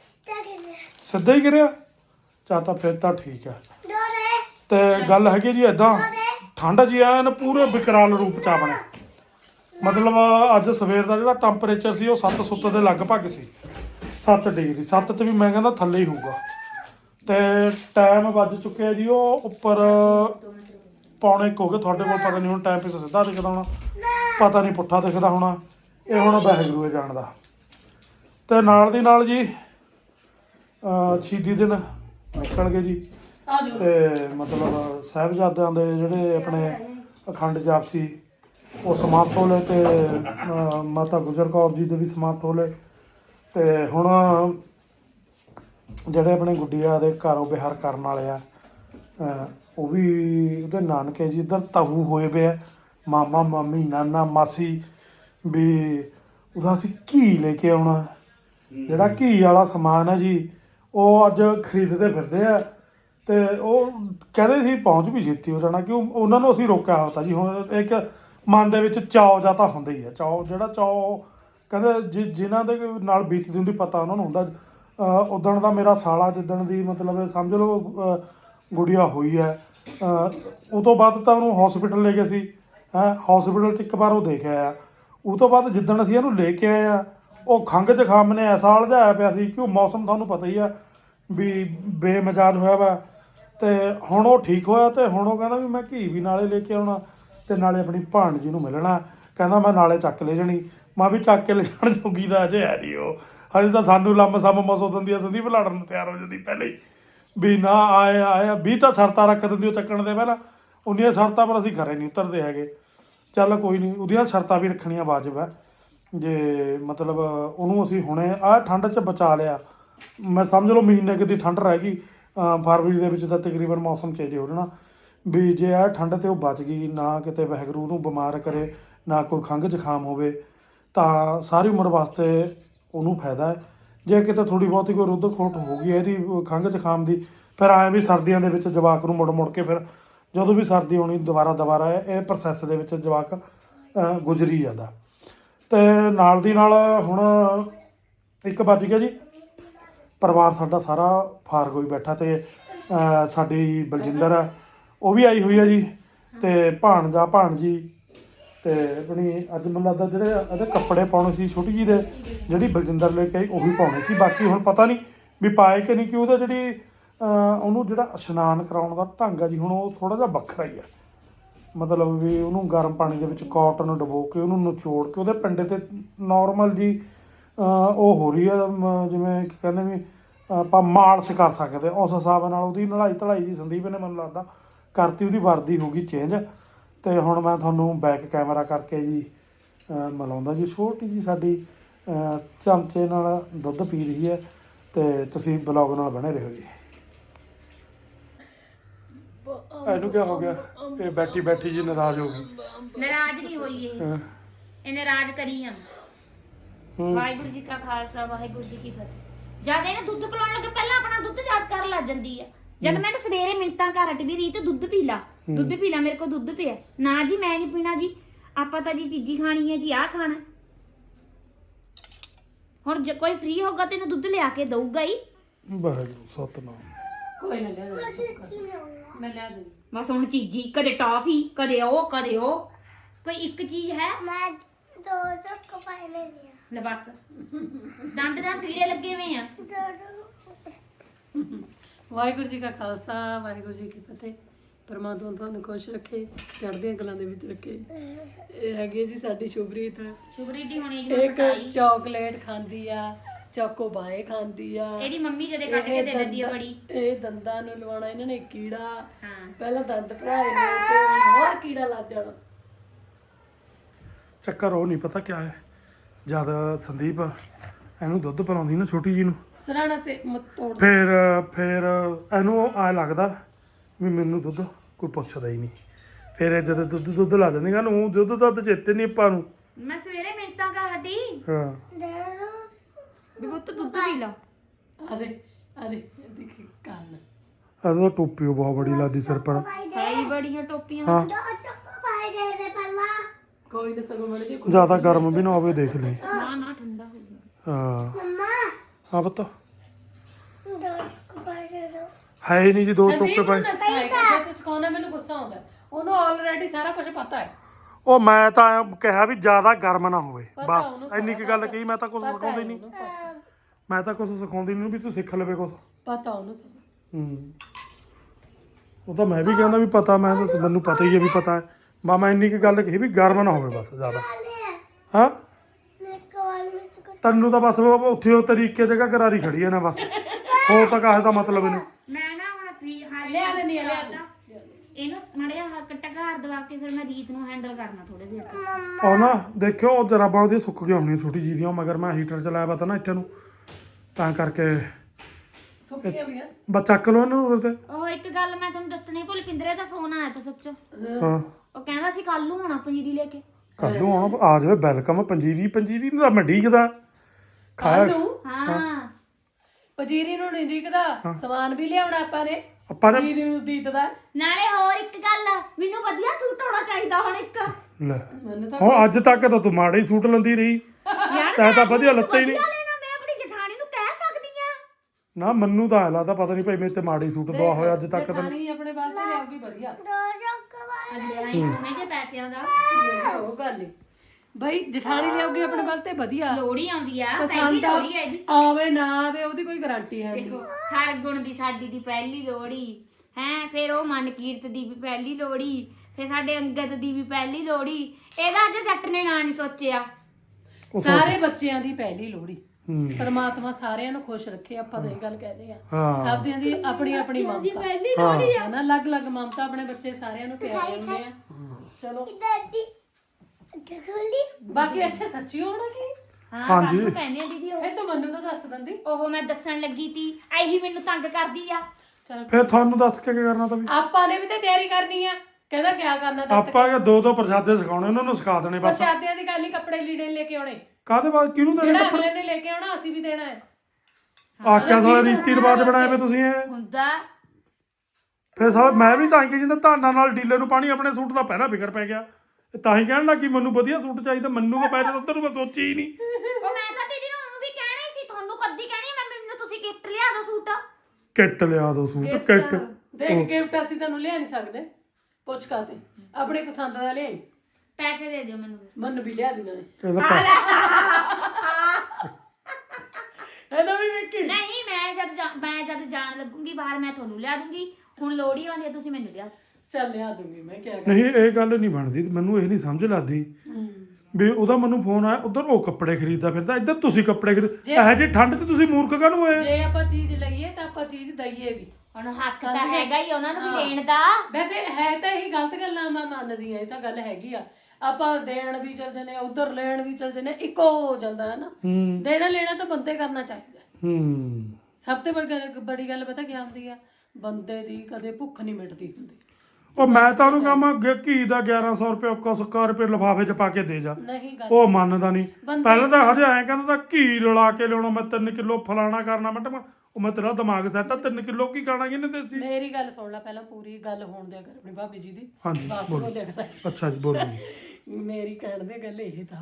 Speaker 1: ਸਿੱਧਾ ਹੀ ਗਿਰਿਆ? ਚਾ ਤਾਂ ਫਿਰ ਤਾਂ ਠੀਕ ਹੈ। ਤੇ ਗੱਲ ਹੈਗੀ ਜੀ ਇੱਦਾਂ, ਠੰਡ ਜੀ ਐਨ ਪੂਰੇ ਵਿਕਰਾਲ ਰੂਪ 'ਚ ਆਪਣੇ, ਮਤਲਬ ਅੱਜ ਸਵੇਰ ਦਾ ਜਿਹੜਾ ਟੈਂਪਰੇਚਰ ਸੀ ਉਹ ਸੱਤ ਸੁੱਤ ਦੇ ਲਗਭਗ ਸੀ, ਸੱਤ ਡਿਗਰੀ ਸੱਤ ਤੇ ਵੀ ਮੈਂ ਕਹਿੰਦਾ ਥੱਲੇ ਹੀ ਹੋਊਗਾ। ਤੇ ਟਾਈਮ ਵੱਜ ਚੁੱਕਿਆ ਜੀ ਉਹ ਉੱਪਰ ਪੌਣੇ ਇੱਕ ਹੋ ਗਏ। ਤੁਹਾਡੇ ਕੋਲ ਪਤਾ ਨਹੀਂ ਹੁਣ ਟਾਈਮ ਪਿੱਛੇ ਸਿੱਧਾ ਦਿਖਦਾ ਹੋਣਾ, ਪਤਾ ਨਹੀਂ ਪੁੱਠਾ ਦਿਖਦਾ ਹੋਣਾ, ਇਹ ਹੁਣ ਵਾਹਿਗੁਰੂ ਹੀ ਜਾਣਦਾ। ਤੇ ਨਾਲ ਦੀ ਨਾਲ ਜੀ ਸ਼ਹੀਦੀ ਦਿਨ ਨਿਕਲ ਗਏ ਜੀ। ਤੇ ਮਤਲਬ ਸਾਹਿਬਜ਼ਾਦਿਆਂ ਦੇ ਜਿਹੜੇ ਆਪਣੇ ਅਖੰਡ ਜਾਪ ਸੀ ਉਹ ਸਮਾਪਤ ਹੋ ਲਏ ਤੇ ਮਾਤਾ ਗੁਜਰ ਕੌਰ ਜੀ ਦੇ ਵੀ ਸਮਾਪਤ ਹੋ ਲਏ। ਤੇ ਹੁਣ ਜਿਹੜੇ ਆਪਣੇ ਗੁੱਡੀਆ ਦੇ ਘਰੋਂ ਵਿਹਾਰ ਕਰਨ ਵਾਲੇ ਆ ਉਹ ਵੀ ਉਹਦੇ ਨਾਨਕੇ ਜੀ ਇੱਧਰ ਤਾਹੂ ਹੋਏ ਪਏ ਆ, ਮਾਮਾ ਮਾਮੀ ਨਾਨਾ ਮਾਸੀ ਵੀ ਉਹਦਾ ਅਸੀਂ ਘੀ ਲੈ ਕੇ ਆਉਣਾ। ਜਿਹੜਾ ਘੀ ਵਾਲਾ ਸਮਾਨ ਹੈ ਜੀ ਉਹ ਅੱਜ ਖਰੀਦਦੇ ਫਿਰਦੇ ਆ ਤੇ ਉਹ ਕਹਿੰਦੇ ਸੀ ਪਹੁੰਚ ਵੀ ਛੇਤੀ ਹੋ ਜਾਣਾ, ਕਿਉਂ ਉਹਨਾਂ ਨੂੰ ਅਸੀਂ ਰੋਕਿਆ ਹੋਇਆ ਤਾਂ ਜੀ। ਹੁਣ ਇੱਕ ਮਨ ਦੇ ਵਿੱਚ ਚਾਅ ਜਾਂ ਤਾਂ ਹੁੰਦਾ ਹੀ ਹੈ, ਚਾਅ ਜਿਹੜਾ ਚਾਅ ਕਹਿੰਦੇ ਜਿ ਜਿਨ੍ਹਾਂ ਦੇ ਨਾਲ ਬੀਤਦੀ ਹੁੰਦੀ ਪਤਾ ਉਹਨਾਂ ਨੂੰ ਹੁੰਦਾ। ਉੱਦਣ ਦਾ ਮੇਰਾ ਸਾਲਾ ਜਿੱਦਣ ਦੀ ਮਤਲਬ ਸਮਝ ਲਓ ਗੁੜੀਆ ਹੋਈ ਹੈ ਉਹ ਤੋਂ ਬਾਅਦ ਤਾਂ ਉਹਨੂੰ ਹੌਸਪੀਟਲ ਲੈ ਗਏ ਸੀ। ਹੈਂ ਹੌਸਪੀਟਲ 'ਚ ਇੱਕ ਵਾਰ ਉਹ ਦੇਖ ਆਇਆ। ਉਹ ਤੋਂ ਬਾਅਦ ਜਿੱਦਣ ਅਸੀਂ ਇਹਨੂੰ ਲੈ ਕੇ ਆਏ ਆ ਉਹ ਖੰਘ ਜ਼ੁਕਾਮ ਨੇ ਐਸਾ ਉਲਝਾਇਆ ਪਿਆ ਸੀ ਕਿ ਉਹ ਮੌਸਮ ਤੁਹਾਨੂੰ ਪਤਾ ਹੀ ਆ ਵੀ ਬੇਮਿਜਾਜ ਹੋਇਆ ਵਾ। ਤੇ ਹੁਣ ਉਹ ਠੀਕ ਹੋਇਆ ਤੇ ਹੁਣ ਉਹ ਕਹਿੰਦਾ ਵੀ ਮੈਂ ਘੀ ਵੀ ਨਾਲੇ ਲੈ ਕੇ ਆਉਣਾ ਤੇ ਨਾਲੇ ਆਪਣੀ ਭਾਣਜੀ ਨੂੰ ਮਿਲਣਾ। ਕਹਿੰਦਾ ਮੈਂ ਨਾਲੇ ਚੱਕ ਲੈ ਜਾਣੀ। ਮੈਂ ਵੀ ਚੱਕ ਕੇ ਲੈ ਜਾਣ ਜੋਗੀ ਦਾ ਅਜੇ ਹੈ ਨਹੀਂ ਉਹ, ਹਜੇ ਤਾਂ ਸਾਨੂੰ ਲੰਮ ਸਮ ਮਸੋ ਦਿੰਦੀ ਆ, ਸੰਦੀਪ ਲੜਨ ਨੂੰ ਤਿਆਰ ਹੋ ਜਾਂਦੀ ਪਹਿਲੇ ਹੀ ਵੀ ਨਾ ਆਏ ਆਏ ਵੀਹ ਤਾਂ ਸ਼ਰਤਾਂ ਰੱਖ ਦਿੰਦੀ ਉਹ ਚੱਕਣ ਦੇ ਪਹਿਲਾਂ, ਉਨੀਆਂ ਸ਼ਰਤਾਂ ਪਰ ਅਸੀਂ ਖਰੇ ਨਹੀਂ ਉਤਰਦੇ ਹੈਗੇ। ਚੱਲ ਕੋਈ ਨਹੀਂ, ਉਹਦੀਆਂ ਸ਼ਰਤਾਂ ਵੀ ਰੱਖਣੀਆਂ ਵਾਜਬ ਹੈ ਜੇ ਮਤਲਬ ਉਹਨੂੰ ਅਸੀਂ ਹੁਣੇ ਆਹ ਠੰਡ 'ਚ ਬਚਾ ਲਿਆ। ਮੈਂ ਸਮਝ ਲਓ ਮਹੀਨੇ ਕੁ ਦੀ ਠੰਡ ਰਹਿ ਗਈ, ਫਰਵਰੀ ਦੇ ਵਿੱਚ ਤਾਂ ਤਕਰੀਬਨ ਮੌਸਮ ਚੇਂਜ ਹੋ ਜਾਣਾ ਵੀ ਜੇ ਆਹ ਠੰਡ 'ਤੇ ਉਹ ਬਚ ਗਈ ਨਾ ਕਿਤੇ ਵਾਹਿਗੁਰੂ ਉਹਨੂੰ ਬਿਮਾਰ ਕਰੇ ਨਾ ਕੋਈ ਖੰਘ ਜ਼ੁਕਾਮ ਹੋਵੇ ਤਾਂ ਸਾਰੀ ਉਮਰ ਵਾਸਤੇ ਉਹਨੂੰ ਫਾਇਦਾ ਹੈ। ਜੇ ਕਿਤੇ ਥੋੜ੍ਹੀ ਬਹੁਤੀ ਕੋਈ ਰੁੱਧ ਖੋਟ ਹੋ ਗਈ ਇਹਦੀ ਖੰਘ ਜ਼ੁਕਾਮ ਦੀ, ਫਿਰ ਐਂ ਵੀ ਸਰਦੀਆਂ ਦੇ ਵਿੱਚ ਜਵਾਕ ਨੂੰ ਮੁੜ ਮੁੜ ਕੇ ਫਿਰ ਜਦੋਂ ਵੀ ਸਰਦੀ ਆਉਣੀ ਦੁਬਾਰਾ ਦੁਬਾਰਾ ਇਹ ਪ੍ਰੋਸੈਸ ਦੇ ਵਿੱਚ ਜਵਾਕ ਗੁਜ਼ਰੀ ਜਾਂਦਾ। ਅਤੇ ਨਾਲ ਦੀ ਨਾਲ ਹੁਣ ਇੱਕ ਵੱਜ ਗਿਆ ਜੀ, ਪਰਿਵਾਰ ਸਾਡਾ ਸਾਰਾ ਫਾਰਗ ਹੋਈ ਬੈਠਾ ਤੇ ਸਾਡੀ ਬਲਜਿੰਦਰ ਆ ਉਹ ਵੀ ਆਈ ਹੋਈ ਹੈ ਜੀ ਤੇ ਭਾਣਜਾ ਭਾਣਜੀ ਤੇ ਆਪਣੀ ਅੱਜ ਮੈਨੂੰ ਲੱਗਦਾ ਜਿਹੜੇ ਇਹਦੇ ਕੱਪੜੇ ਪਾਉਣੇ ਸੀ ਛੋਟੀ ਜਿਹੀ ਦੇ ਜਿਹੜੀ ਬਲਜਿੰਦਰ ਲੈ ਕੇ ਆਈ ਉਹੀ ਪਾਉਣੇ ਸੀ। ਬਾਕੀ ਹੁਣ ਪਤਾ ਨਹੀਂ ਵੀ ਪਾਏ ਕਿ ਨਹੀਂ, ਕਿ ਉਹਦਾ ਜਿਹੜੀ ਉਹਨੂੰ ਜਿਹੜਾ ਇਸ਼ਨਾਨ ਕਰਾਉਣ ਦਾ ਢੰਗ ਆ ਜੀ ਹੁਣ ਉਹ ਥੋੜ੍ਹਾ ਜਿਹਾ ਵੱਖਰਾ ਹੀ ਆ। ਮਤਲਬ ਵੀ ਉਹਨੂੰ ਗਰਮ ਪਾਣੀ ਦੇ ਵਿੱਚ ਕਾਟਨ ਡੁਬੋ ਕੇ ਉਹਨੂੰ ਨਿਚੋੜ ਕੇ ਉਹਦੇ ਪਿੰਡੇ 'ਤੇ ਨੋਰਮਲ ਜੀ ਉਹ ਹੋ ਰਹੀ ਆ ਜਿਵੇਂ ਕਹਿੰਦੇ ਵੀ ਆਪਾਂ ਮਾਲਸ਼ ਕਰ ਸਕਦੇ ਉਸ ਹਿਸਾਬ ਨਾਲ ਉਹਦੀ ਨਲਾਈ ਧਲਾਈ ਜੀ ਸੰਦੀਪ ਨੇ ਮੈਨੂੰ ਲੱਗਦਾ ਕਰਤੀ, ਉਹਦੀ ਵਰਦੀ ਹੋ ਗਈ ਚੇਂਜ। ਅਤੇ ਹੁਣ ਮੈਂ ਤੁਹਾਨੂੰ ਬੈਕ ਕੈਮਰਾ ਕਰਕੇ ਜੀ ਮਿਲਾਉਂਦਾ ਜੀ। ਛੋਟੀ ਜੀ ਸਾਡੀ ਚਮਚੇ ਨਾਲ ਦੁੱਧ ਪੀ ਰਹੀ ਹੈ ਅਤੇ ਤੁਸੀਂ ਬਲੌਗ ਨਾਲ ਬਣੇ ਰਹੋ ਜੀ। ਇਹਨੂੰ ਕੀ ਹੋ ਗਿਆ? ਇਹ ਬੈਠੀ ਬੈਠੀ ਜੀ ਨਾਰਾਜ਼ ਹੋ ਗਈ।
Speaker 2: ਨਾਰਾਜ਼ ਨਹੀਂ ਹੋਈ ਇਹ ਇਹ ਨਾਰਾਜ਼ ਕਰੀ ਆ। ਵਾਹਿਗੁਰੂ ਜੀ ਕਾ ਖਾਲਸਾ ਵਾਹਿਗੁਰੂ ਜੀ ਕੀ ਫਤਿਹ। ਜਦ ਇਹਨੂੰ ਦੁੱਧ ਪਿਲਾਉਣ ਲੱਗੇ ਪਹਿਲਾਂ ਆਪਣਾ ਦੁੱਧ ਯਾਦ ਕਰਨ ਲੱਗ ਜਾਂਦੀ ਆ। ਜਦ ਮੈਂ ਸਵੇਰੇ ਮਿੰਟਾਂ ਘਰ ਹਟ ਵੀ ਰਹੀ ਤੇ ਦੁੱਧ ਪੀ ਲਾ ਦੁੱਧ ਪੀ ਲਾ ਮੇਰੇ ਕੋਲ ਦੁੱਧ ਪਿਆ ਨਾ ਜੀ, ਮੈਂ ਨਹੀਂ ਪੀਣਾ ਜੀ, ਆਪਾਂ ਤਾਂ ਜੀ ਚੀਜ਼ੀ ਖਾਣੀ ਹੈ ਜੀ, ਆਹ ਖਾਣਾ ਹੁਣ ਜੇ ਕੋਈ ਫ੍ਰੀ ਹੋਗਾ ਤੈਨੂੰ ਦੁੱਧ ਲਿਆ ਕੇ ਦਊਗਾ ਹੀ।
Speaker 1: ਵਾਹਿਗੁਰੂ ਸਤਨਾਮ।
Speaker 3: ਕੋਈ ਨਾ ਲਿਆ ਦੇ, ਮੈਂ ਲਿਆ ਦੂੰਗੀ।
Speaker 2: ਬਸ ਹੁਣ ਚੀਜ਼ੀ, ਕਦੇ ਟਾਫੀ, ਕਦੇ ਉਹ ਕਦੇ ਉਹ, ਕੋਈ ਇੱਕ ਚੀਜ਼ ਹੈ।
Speaker 4: ਮੈਂ ਦੋ ਚੱਕ ਪਾਈ ਲੈਣੀ ਆ।
Speaker 2: ਲੈ ਬਸ ਦੰਦ ਦਾ ਕੀੜੇ ਲੱਗੇ ਹੋਏ ਆ।
Speaker 3: ਵਾਹਿਗੁਰੂ ਜੀ ਕਾ ਖਾਲਸਾ, ਵਾਹਿਗੁਰੂ ਜੀ ਕੀ ਫਤਿਹ। ਪਰਮਾਤਮਾ ਤੁਹਾਨੂੰ ਖੁਸ਼ ਰੱਖੇ, ਚੜ੍ਹਦੀਆਂ ਕਲਾਂ ਦੇ ਵਿੱਚ ਰੱਖੇ। ਇਹ ਹੈਗੀ ਜੀ ਸਾਡੀ ਸ਼ੁਭਰੀਤ,
Speaker 2: ਸ਼ੁਭਰੀ ਦੀ ਹੋਣੀ ਜੀ
Speaker 3: ਇੱਕ ਚਾਕਲੇਟ ਖਾਂਦੀ ਆ, ਚਾਕੋ ਬਾਏ ਖਾਂਦੀ ਆ।
Speaker 2: ਇਹਦੀ ਮੰਮੀ ਜਦੇ ਕੱਟ ਕੇ ਦੇ ਦਿੰਦੀ ਆ ਬੜੀ।
Speaker 3: ਇਹ ਦੰਦਾਂ ਨੂੰ ਲਵਾਉਣਾ ਇਹਨਾਂ ਨੇ ਕੀੜਾ,
Speaker 2: ਹਾਂ
Speaker 3: ਪਹਿਲਾਂ ਦੰਦ ਭਰਾਏ ਨੇ ਤੇ ਹੁਣ ਹੋਰ ਕੀੜਾ ਲੱਗ ਜਾਣਾ।
Speaker 1: ਚੱਕਰ ਉਹ ਨਹੀਂ ਪਤਾ ਕਿਆ ਹੈ, ਜਦ ਸੰਦੀਪ ਇਹਨੂੰ ਦੁੱਧ ਪਿਲਾਉਂਦੀ ਨਾ ਛੋਟੀ ਜੀ ਨੂੰ,
Speaker 3: ਸਰਾਣਾ ਸੇ ਮਤ ਤੋੜ ਦੇ।
Speaker 1: ਫਿਰ ਫਿਰ ਇਹਨੂੰ ਆ ਲੱਗਦਾ ਵੀ ਮੈਨੂੰ ਦੁੱਧ ਕੋਈ ਪੁੱਛਦਾ ਹੀ ਨਹੀਂ। ਫਿਰ ਇਹ ਜਦੋਂ ਦੁੱਧ ਦੁੱਧ ਲਾ ਜਾਂਦੀ ਗਾ ਨੂੰ ਦੁੱਧ ਦੁੱਧ ਚੇਤੇ ਨਹੀਂ ਆਪਾਂ ਨੂੰ।
Speaker 2: ਮੈਂ ਸਵੇਰੇ ਮਿੰਟਾਂ ਕਰ ਹਟੀ
Speaker 1: ਹਾਂ
Speaker 2: ਵੀ ਪੁੱਤ ਦੁੱਧ ਪੀ ਲਾ।
Speaker 3: ਆਦੇ ਆਦੇ ਦੇਖੀ ਕੰਨ
Speaker 1: ਇਹਦਾ ਟੋਪੀ ਉਹ ਬਹੁਤ ਬੜੀ ਲੱਗਦੀ ਸਿਰ ਪਰ।
Speaker 2: ਹਾਈ ਬੜੀਆਂ ਟੋਪੀਆਂ।
Speaker 1: ਹਾਂ
Speaker 4: ਦੋ ਚੱਕ ਪਾਈ ਦੇ ਦੇ ਪਹਿਲਾਂ।
Speaker 3: ਕੋਈ ਨਾ ਸਗੋਂ ਮੜ ਜੇ
Speaker 1: ਜ਼ਿਆਦਾ ਗਰਮ ਵੀ ਨਾ ਹੋਵੇ ਦੇਖ ਲਈ।
Speaker 2: ਨਾ ਨਾ ਠੰਡਾ ਹੋ ਗਿਆ।
Speaker 1: ਹਾਂ
Speaker 4: ਮੰਮਾ
Speaker 1: ਹਾਂ ਪੁੱਤ
Speaker 4: ਦੋ ਚੱਕ ਪਾਈ ਦੇ ਦੋ।
Speaker 1: ਹੈ ਹੀ ਨਹੀਂ ਜੀ ਦੋ ਟੋਪੇ ਪਾਏ।
Speaker 3: ਜੇ ਤੂੰ ਸਿਖਾਉਣਾ ਮੈਨੂੰ ਗੁੱਸਾ ਆਉਂਦਾ, ਉਹਨੂੰ ਆਲਰੇਡੀ ਸਾਰਾ ਕੁਝ ਪਤਾ ਹੈ।
Speaker 1: ਉਹ ਮੈਂ ਤਾਂ ਐਂ ਕਿਹਾ ਵੀ ਜ਼ਿਆਦਾ ਗਰਮ ਨਾ ਹੋਵੇ
Speaker 3: ਪਤਾ
Speaker 1: ਬਸ
Speaker 3: ਉਹਨੂੰ
Speaker 1: ਇੰਨੀ ਕੀ ਗੱਲ ਕਹੀ। ਮੈਂ ਤਾਂ ਕੁਝ
Speaker 3: ਪਤਾ
Speaker 1: ਸਿਖਾਉਂਦੀ
Speaker 3: ਹੈ
Speaker 1: ਨਹੀਂ,
Speaker 3: ਉਹਨੂੰ, ਪਤਾ-
Speaker 1: ਮੈਂ ਤਾਂ ਕੁਝ ਸਿਖਾਉਂਦੀ ਨਹੀਂ ਵੀ ਤੂੰ ਸਿੱਖ ਲਵੇ ਕੁਝ।
Speaker 3: ਪਤਾ ਉਹਨੂੰ ਸਭ।
Speaker 1: ਹੂੰ ਉਹ ਤਾਂ ਮੈਂ ਵੀ ਕਹਿੰਦਾ ਵੀ ਪਤਾ, ਮੈਂ ਤਾਂ ਮੈਨੂੰ ਪਤਾ ਹੀ ਹੈ ਵੀ ਪਤਾ ਹੈ। ਮੈਂ ਮੈਂ ਇੰਨੀ ਕੀ ਗੱਲ ਕਹੀ ਵੀ ਗਰਮ ਨਾ ਹੋਵੇ ਬਸ ਜ਼ਿਆਦਾ। ਹਾਂ
Speaker 4: ਮੈਂ ਕਵਾਲ ਵਿੱਚ ਕੁ-
Speaker 1: ਤੈਨੂੰ ਤਾਂ ਬਸ ਉਹ ਉੱਥੇ ਉਹ ਤਰੀਕੇ ਜਗ੍ਹਾ ਕਰਾਰੀ ਖੜੀ ਹੈ ਨਾ ਬਸ, ਹੋਰ ਤਾਂ ਕਾਹੇ ਦਾ ਮਤਲਬ ਇਹਨੂੰ।
Speaker 2: ਮੈਂ ਨਾ ਹੁਣ ਪੀ ਹਾਂ
Speaker 3: ਲਿਆ ਦੇਣੀ ਆ, ਲਿਆ ਦੇ।
Speaker 2: ਇਹਨੂੰ ਮੜਿਆ ਹੱਕ ਟਕਾਰ ਦਵਾ ਕੇ ਫਿਰ ਮੈਂ ਰੀਤ ਨੂੰ ਹੈਂਡਲ ਕਰਨਾ ਥੋੜੇ ਦੇਰ ਤੱਕ।
Speaker 1: ਉਹ ਨਾ ਦੇਖਿਓ ਉਹ ਜਰਾਬਾਂ ਉਹਦੀਆਂ ਸੁੱਕ ਗਈਆਂ ਹੋਣੀਆਂ ਛੋਟੀ ਜੀ ਦੀਆਂ, ਮਗਰ ਮੈਂ ਹੀਟਰ ਚਲਾਇਆ ਪਤਾ ਨਾ ਇੱਥੇ ਨੂੰ, ਤਾਂ ਕਰਕੇ
Speaker 3: ਸੁੱਕੀਆਂ ਵੀ ਆ।
Speaker 1: ਬਸ ਚੱਕ ਲਓ ਇਹਨੂੰ ਉਰੇ ਤੇ।
Speaker 2: ਉਹ ਇੱਕ ਗੱਲ ਮੈਂ ਤੁਹਾਨੂੰ ਦੱਸਣੀ ਭੁੱਲ, ਪਿੰਦਰੇ ਦਾ ਫੋਨ ਆਇਆ ਤਾਂ ਸੱਚੋ।
Speaker 1: ਹਾਂ
Speaker 2: ਉਹ ਕਹਿੰਦਾ ਸੀ ਕੱਲ ਨੂੰ ਆਉਣਾ ਪੰਜੀਰੀ ਲੈ ਕੇ।
Speaker 1: ਕਰ ਲਓ ਹੁਣ ਆ ਜਾਵੇ ਵੈਲਕਮ। ਪੰਜੀਰੀ ਪੰਜੀਰੀ ਨੂੰ ਤਾਂ ਮੈਂ ਡੀਕਦਾ ਖਾਇਆ
Speaker 3: ਕੱਲ ਨੂੰ
Speaker 2: ਹਾਂ
Speaker 3: ਪਜੀਰੀ ਨੂੰ ਨਹੀਂ ਦਿਖਦਾ, ਸਮਾਨ ਵੀ ਲਿਆਉਣਾ ਆਪਾਂ ਨੇ।
Speaker 1: ਆਪਾਂ ਨੇ
Speaker 3: ਪਜੀਰੀ ਨੂੰ ਦੀਤਦਾ
Speaker 2: ਨਾਲੇ ਹੋਰ ਇੱਕ ਗੱਲ, ਮੈਨੂੰ ਵਧੀਆ ਸੂਟ ਹੋਣਾ ਚਾਹੀਦਾ ਹੁਣ ਇੱਕ।
Speaker 1: ਲੈ
Speaker 3: ਮੈਨੂੰ ਤਾਂ
Speaker 1: ਹੁਣ ਅੱਜ ਤੱਕ ਤਾਂ ਤੂੰ ਮਾੜੇ ਹੀ ਸੂਟ ਲੈਂਦੀ ਰਹੀ,
Speaker 2: ਯਾਰ
Speaker 1: ਤੈਂ ਤਾਂ
Speaker 2: ਮੈਂ
Speaker 1: ਵਧੀਆ
Speaker 2: ਇੱਕ
Speaker 1: ਲੱਤੇ ਹੀ ਨਹੀਂ।
Speaker 2: ਵਧੀਆ ਲੈਣਾ, ਮੈਂ ਆਪਣੀ ਜਠਾਣੀ ਨੂੰ ਕਹਿ ਸਕਦੀ ਆ।
Speaker 1: ਨਾ ਮੈਨੂੰ ਤਾਂ ਐਂ ਲੱਗਦਾ ਪਤਾ ਨਹੀਂ ਭਾਈ ਮੇਰੇ ਤੇ ਮਾੜੇ ਹੀ ਸੂਟ ਦਵਾ ਹੋਇਆ ਅੱਜ ਤੱਕ ਤਾਂ।
Speaker 3: ਜਠਾਣੀ ਆਪਣੇ ਬਾਲ ਤੇ ਲਿਆਉਗੀ ਵਧੀਆ।
Speaker 4: ਦੋ ਚੱਕ ਪਾਈ
Speaker 2: ਅੰਦਰਾਂ ਹੀ ਸੋਨੇ ਦੇ ਪੈਸਿਆਂ ਦਾ
Speaker 3: ਉਹ ਗੱਲ ਨਹੀਂ ਬਈ, ਜਠਾਣੀ ਲਿਆਉਗੀ ਆਪਣੇ ਬਾਲ ਤੇ ਵਧੀਆ।
Speaker 2: ਲੋੜੀ ਆਉਂਦੀ ਆ, ਪਹਿਲੀ
Speaker 3: ਪਸੰਦ
Speaker 2: ਲੋੜੀ ਹੈ ਜੀ।
Speaker 3: ਆਵੇ ਨਾ ਆਵੇ ਉਹਦੀ ਕੋਈ ਗਾਰੰਟੀ ਹੈ ਨਹੀਂ।
Speaker 2: ਦੇਖੋ ਹਰ ਗੁਣ ਦੀ ਸਾਡੀ ਦੀ ਪਹਿਲੀ ਲੋੜੀ ਹੈ, ਫਿਰ ਉਹ ਮਨਕੀਰਤ ਦੀ ਵੀ ਪਹਿਲੀ ਲੋੜੀ, ਫਿਰ ਸਾਡੇ ਅੰਗਦ ਦੀ ਵੀ ਪਹਿਲੀ ਲੋੜੀ। ਇਹਦਾ ਅੱਜ ਜੱਟ ਨੇ ਨਾਂ ਨਹੀਂ ਸੋਚਿਆ।
Speaker 3: ਸਾਰੇ ਬੱਚਿਆਂ ਦੀ ਪਹਿਲੀ ਲੋਹੜੀ।
Speaker 1: ਹੂੰ
Speaker 3: ਪਰਮਾਤਮਾ ਸਾਰਿਆਂ ਨੂੰ ਖੁਸ਼ ਰੱਖੇ, ਆਪਾਂ ਤਾਂ ਇਹ ਗੱਲ ਕਹਿੰਦੇ ਆ।
Speaker 1: ਹਾਂ
Speaker 3: ਸਭ ਦੀਆਂ ਦੀ ਆਪਣੀ ਆਪਣੀ ਮਮਤਾ
Speaker 2: ਪਹਿਲੀ
Speaker 1: ਹਾਂ
Speaker 3: ਹੈ ਨਾ, ਅਲੱਗ-ਅਲੱਗ ਮਮਤਾ। ਆਪਣੇ ਬੱਚੇ ਸਾਰਿਆਂ ਨੂੰ ਪਿਆਰੇ ਹੁੰਦੇ ਆ। ਚਲੋ
Speaker 4: ਦਾਦੀ ਗੋਲੀ
Speaker 3: ਬਾਕੀ ਅੱਛਾ ਸੱਚੀ ਹੋਣਾ ਸੀ।
Speaker 2: ਹਾਂ
Speaker 1: ਹਾਂਜੀ।
Speaker 2: ਕਾਹਨੂੰ ਕਹਿੰਦੇ ਆ ਦੀਦੀ ਉਹ
Speaker 3: ਇਹ ਤਾਂ ਮੈਨੂੰ ਤਾਂ ਦੱਸ ਦਿੰਦੀ।
Speaker 2: ਉਹ ਮੈਂ ਦੱਸਣ ਲੱਗੀ ਤੀ, ਇਹੀ ਮੈਨੂੰ ਤੰਗ ਕਰਦੀ ਆ।
Speaker 3: ਚਲ
Speaker 1: ਫਿਰ ਤੁਹਾਨੂੰ ਦੱਸ ਕੇ ਕੀ ਕਰਨਾ ਤਾਂ ਵੀ।
Speaker 3: ਆਪਾਂ ਨੇ ਵੀ ਤਾਂ ਤਿਆਰੀ ਕਰਨੀ ਆ। ਕਹਿੰਦਾ ਕਿਆ ਕਰਨਾ ਤਾਂ
Speaker 1: ਆਪਾਂ ਕਿ ਦੋ ਦੋ ਪ੍ਰਸ਼ਾਦੇ ਸਿਖਾਉਣੇ, ਉਹਨਾਂ ਨੂੰ ਸਿਖਾ ਦੇਣੇ ਬਸ।
Speaker 3: ਪ੍ਰਸ਼ਾਦਿਆਂ ਦੀ ਗੱਲ ਹੀ, ਕੱਪੜੇ ਲੀੜੇ ਲੈ ਕੇ ਆਉਣੇ।
Speaker 1: ਕਾਹਦੇ ਬਾਅਦ ਕਿਹਨੂੰ ਦੇਣੇ
Speaker 3: ਜਿਹੜਾ
Speaker 1: ਕੱਪੜੇ?
Speaker 3: ਅਗਲੇ ਨੇ ਲੈ ਕੇ ਆਉਣਾ ਅਸੀਂ ਵੀ ਦੇਣਾ ਹੈ।
Speaker 1: ਆਕਿਆ ਸਾਲੇ ਰੀਤੀ ਰਿਵਾਜ ਬਣਾਏ ਵੇ ਤੁਸੀਂ ਇਹ।
Speaker 2: ਹੁੰਦਾ
Speaker 1: ਫਿਰ ਸਾਲਾ ਮੈਂ ਵੀ ਤਾਂ ਹੀ ਕਿ ਜਿੰਦਾ ਧਾਨਾਂ ਨਾਲ ਡੀਲਰ ਨੂੰ ਪਾਣੀ ਆਪਣੇ ਸੂਟ ਦਾ ਪਹਿਰਾ ਫਿਕਰ ਪੈ ਗਿਆ। ਇਹ ਤਾਂ ਹੀ ਕਹਿਣ ਲੱਗੀ ਮੈਨੂੰ ਵਧੀਆ ਸੂਟ ਚਾਹੀਦਾ, ਮੈਨੂੰ ਕੋ ਪੈਸੇ ਉੱਧਰ ਨੂੰ ਮੈਂ ਸੋਚੀ ਹੀ ਨਹੀਂ।
Speaker 2: ਉਹ ਮੈਂ ਤਾਂ ਦੀਦੀ ਨੂੰ ਊਂ ਵੀ ਕਹਿਣਾ ਹੀ ਸੀ, ਤੁਹਾਨੂੰ ਕਦੀ ਕਹਿਣੀ ਮੈਂ ਮੈਨੂੰ ਤੁਸੀਂ ਗਿਫਟ ਲਿਆ ਦਿਓ ਸੂਟ।
Speaker 1: ਕਿੱਟ ਲਿਆ ਦੋ ਸੂਟ
Speaker 2: Gift।
Speaker 1: ਕਿੱਟ।
Speaker 3: ਦੇਖ ਗਿਫਟ ਅਸੀਂ ਤੈਨੂੰ ਲਿਆ ਨਹੀਂ ਸਕਦੇ, ਪੁੱਛ ਕਾਤੇ ਆਪਣੀ ਪਸੰਦ ਦਾ ਲਿਆਈ।
Speaker 2: ਪੈਸੇ ਦੇ ਦਿਓ ਮੈਨੂੰ।
Speaker 3: ਮੈਨੂੰ ਵੀ ਲਿਆ ਦੇਣਾ ਨੇ
Speaker 1: ਇਹਦਾ ਪਾ-
Speaker 3: ਹੈ ਨਾ ਵੀ ਵਿੱਕੀ।
Speaker 2: ਨਹੀਂ ਮੈਂ ਜਦ ਜਾ- ਮੈਂ ਜਦ ਜਾਣ ਲੱਗੂਗੀ ਬਾਹਰ ਮੈਂ ਤੁਹਾਨੂੰ ਲਿਆ ਦੂੰਗੀ। ਹੁਣ ਲੋੜੀ ਆਉਂਦੀ ਹੈ ਤੁਸੀਂ ਮੈਨੂੰ ਲਿਆ।
Speaker 3: ਚੱਲ ਲਿਆ ਦੂੰਗੀ ਮੈਂ, ਕਿਆ ਕਰ।
Speaker 1: ਨਹੀਂ ਇਹ ਗੱਲ ਨਹੀਂ ਬਣਦੀ, ਮੈਨੂੰ ਇਹ ਨਹੀਂ ਸਮਝ ਲੱਗਦੀ ਵੀ ਉਹਦਾ ਮੈਨੂੰ ਫੋਨ ਆਇਆ ਉਧਰ ਉਹ ਕੱਪੜੇ ਖਰੀਦਦਾ ਫਿਰਦਾ, ਇੱਧਰ ਤੁਸੀਂ ਕੱਪੜੇ ਖਰੀਦ।
Speaker 3: ਜੇ-
Speaker 1: ਇਹੋ ਜਿਹੀ ਠੰਡ 'ਚ ਤੁਸੀਂ ਮੂਰਖ ਕਾਹਨੂੰ ਹੋਏ?
Speaker 3: ਜੇ ਆਪਾਂ ਚੀਜ਼ ਲਈਏ ਤਾਂ ਆਪਾਂ ਚੀਜ਼ ਦਈਏ ਵੀ।
Speaker 2: ਹੁਣ ਹੱਕ ਤਾਂ ਹੈਗਾ ਹੀ ਉਹਨਾਂ ਨੂੰ ਵੀ
Speaker 3: ਹਾਂ।
Speaker 2: ਦੇਣ ਦਾ।
Speaker 3: ਵੈਸੇ ਹੈ ਤਾਂ ਇਹ ਗਲਤ ਗੱਲਾਂ ਮੈਂ ਮੰਨਦੀ ਆ, ਇਹ ਤਾਂ ਗੱਲ ਹੈਗੀ ਆ। ਆਪਾਂ ਦੇਣ ਵੀ ਚਲ ਜਨੇ, ਉਧਰ ਲੈਣ ਵੀ ਚਲ ਜਨੇ, ਇੱਕੋ ਹੋ ਜਾਂਦਾ ਹੈ ਨਾ।
Speaker 1: ਹੂੰ
Speaker 3: ਦੇਣਾ ਲੈਣਾ ਤਾਂ ਬੰਦੇ ਕਰਨਾ ਚਾਹੀਦਾ।
Speaker 1: ਹੂੰ
Speaker 3: ਸਭ ਤੋਂ ਵੱਡੀ ਗੱਲ- ਬੜੀ ਗੱਲ ਪਤਾ ਕੀ ਹੁੰਦੀ ਆ, ਬੰਦੇ ਦੀ ਕਦੇ ਭੁੱਖ ਨਹੀਂ ਮਿਟਦੀ ਹੁੰਦੀ।
Speaker 1: ਉਹ ਮੈਂ ਤਾਂ ਉਹਨੂੰ ਕਹਾਂ ਮੈਂ ਘੀ ਦਾ ਗਿਆਰਾਂ ਸੌ ਰੁਪਏ ਇੱਕੋ ਸੌ ਰੁਪਏ ਲਿਫਾਫੇ 'ਚ ਪਾ ਕੇ ਦੇ ਜਾ।
Speaker 3: ਨਹੀਂ ਗੱਲ
Speaker 1: ਉਹ ਮੰਨਦਾ ਨਹੀਂ।
Speaker 3: ਬੰਦੇ-
Speaker 1: ਪਹਿਲਾਂ ਤਾਂ ਹਜੇ ਐਂ ਕਹਿੰਦਾ ਤਾਂ ਘੀ ਰਲਾ ਕੇ ਲਿਆਉਣਾ, ਮੈਂ ਤਿੰਨ ਕਿਲੋ ਫਲਾਣਾ ਕਰਨਾ। ਮੈਂ ਕਿਹਾ ਉਹ ਮੈਂ ਤੇਰਾ ਦਿਮਾਗ ਸੈੱਟ ਆ, ਤਿੰਨ ਕਿਲੋ ਕੀ ਖਾਣਾ ਇਹਨੇ ਦੇਸੀ।
Speaker 3: ਮੇਰੀ ਗੱਲ ਸੁਣ ਲੈ ਪਹਿਲਾਂ, ਪੂਰੀ ਗੱਲ ਹੋਣ ਦਿਆ ਕਰ ਆਪਣੀ ਭਾਬੀ ਜੀ ਦੀ।
Speaker 1: ਹਾਂਜੀ
Speaker 3: ਬਾਤ
Speaker 1: ਬੋਲੋ।
Speaker 3: ਬੋਲਿਆ ਕਰ।
Speaker 1: ਅੱਛਾ ਜੀ ਬੋਲੋ ਜੀ।
Speaker 3: ਮੇਰੀ ਕਹਿਣ ਦੀ ਗੱਲ ਇਹ ਤਾਂ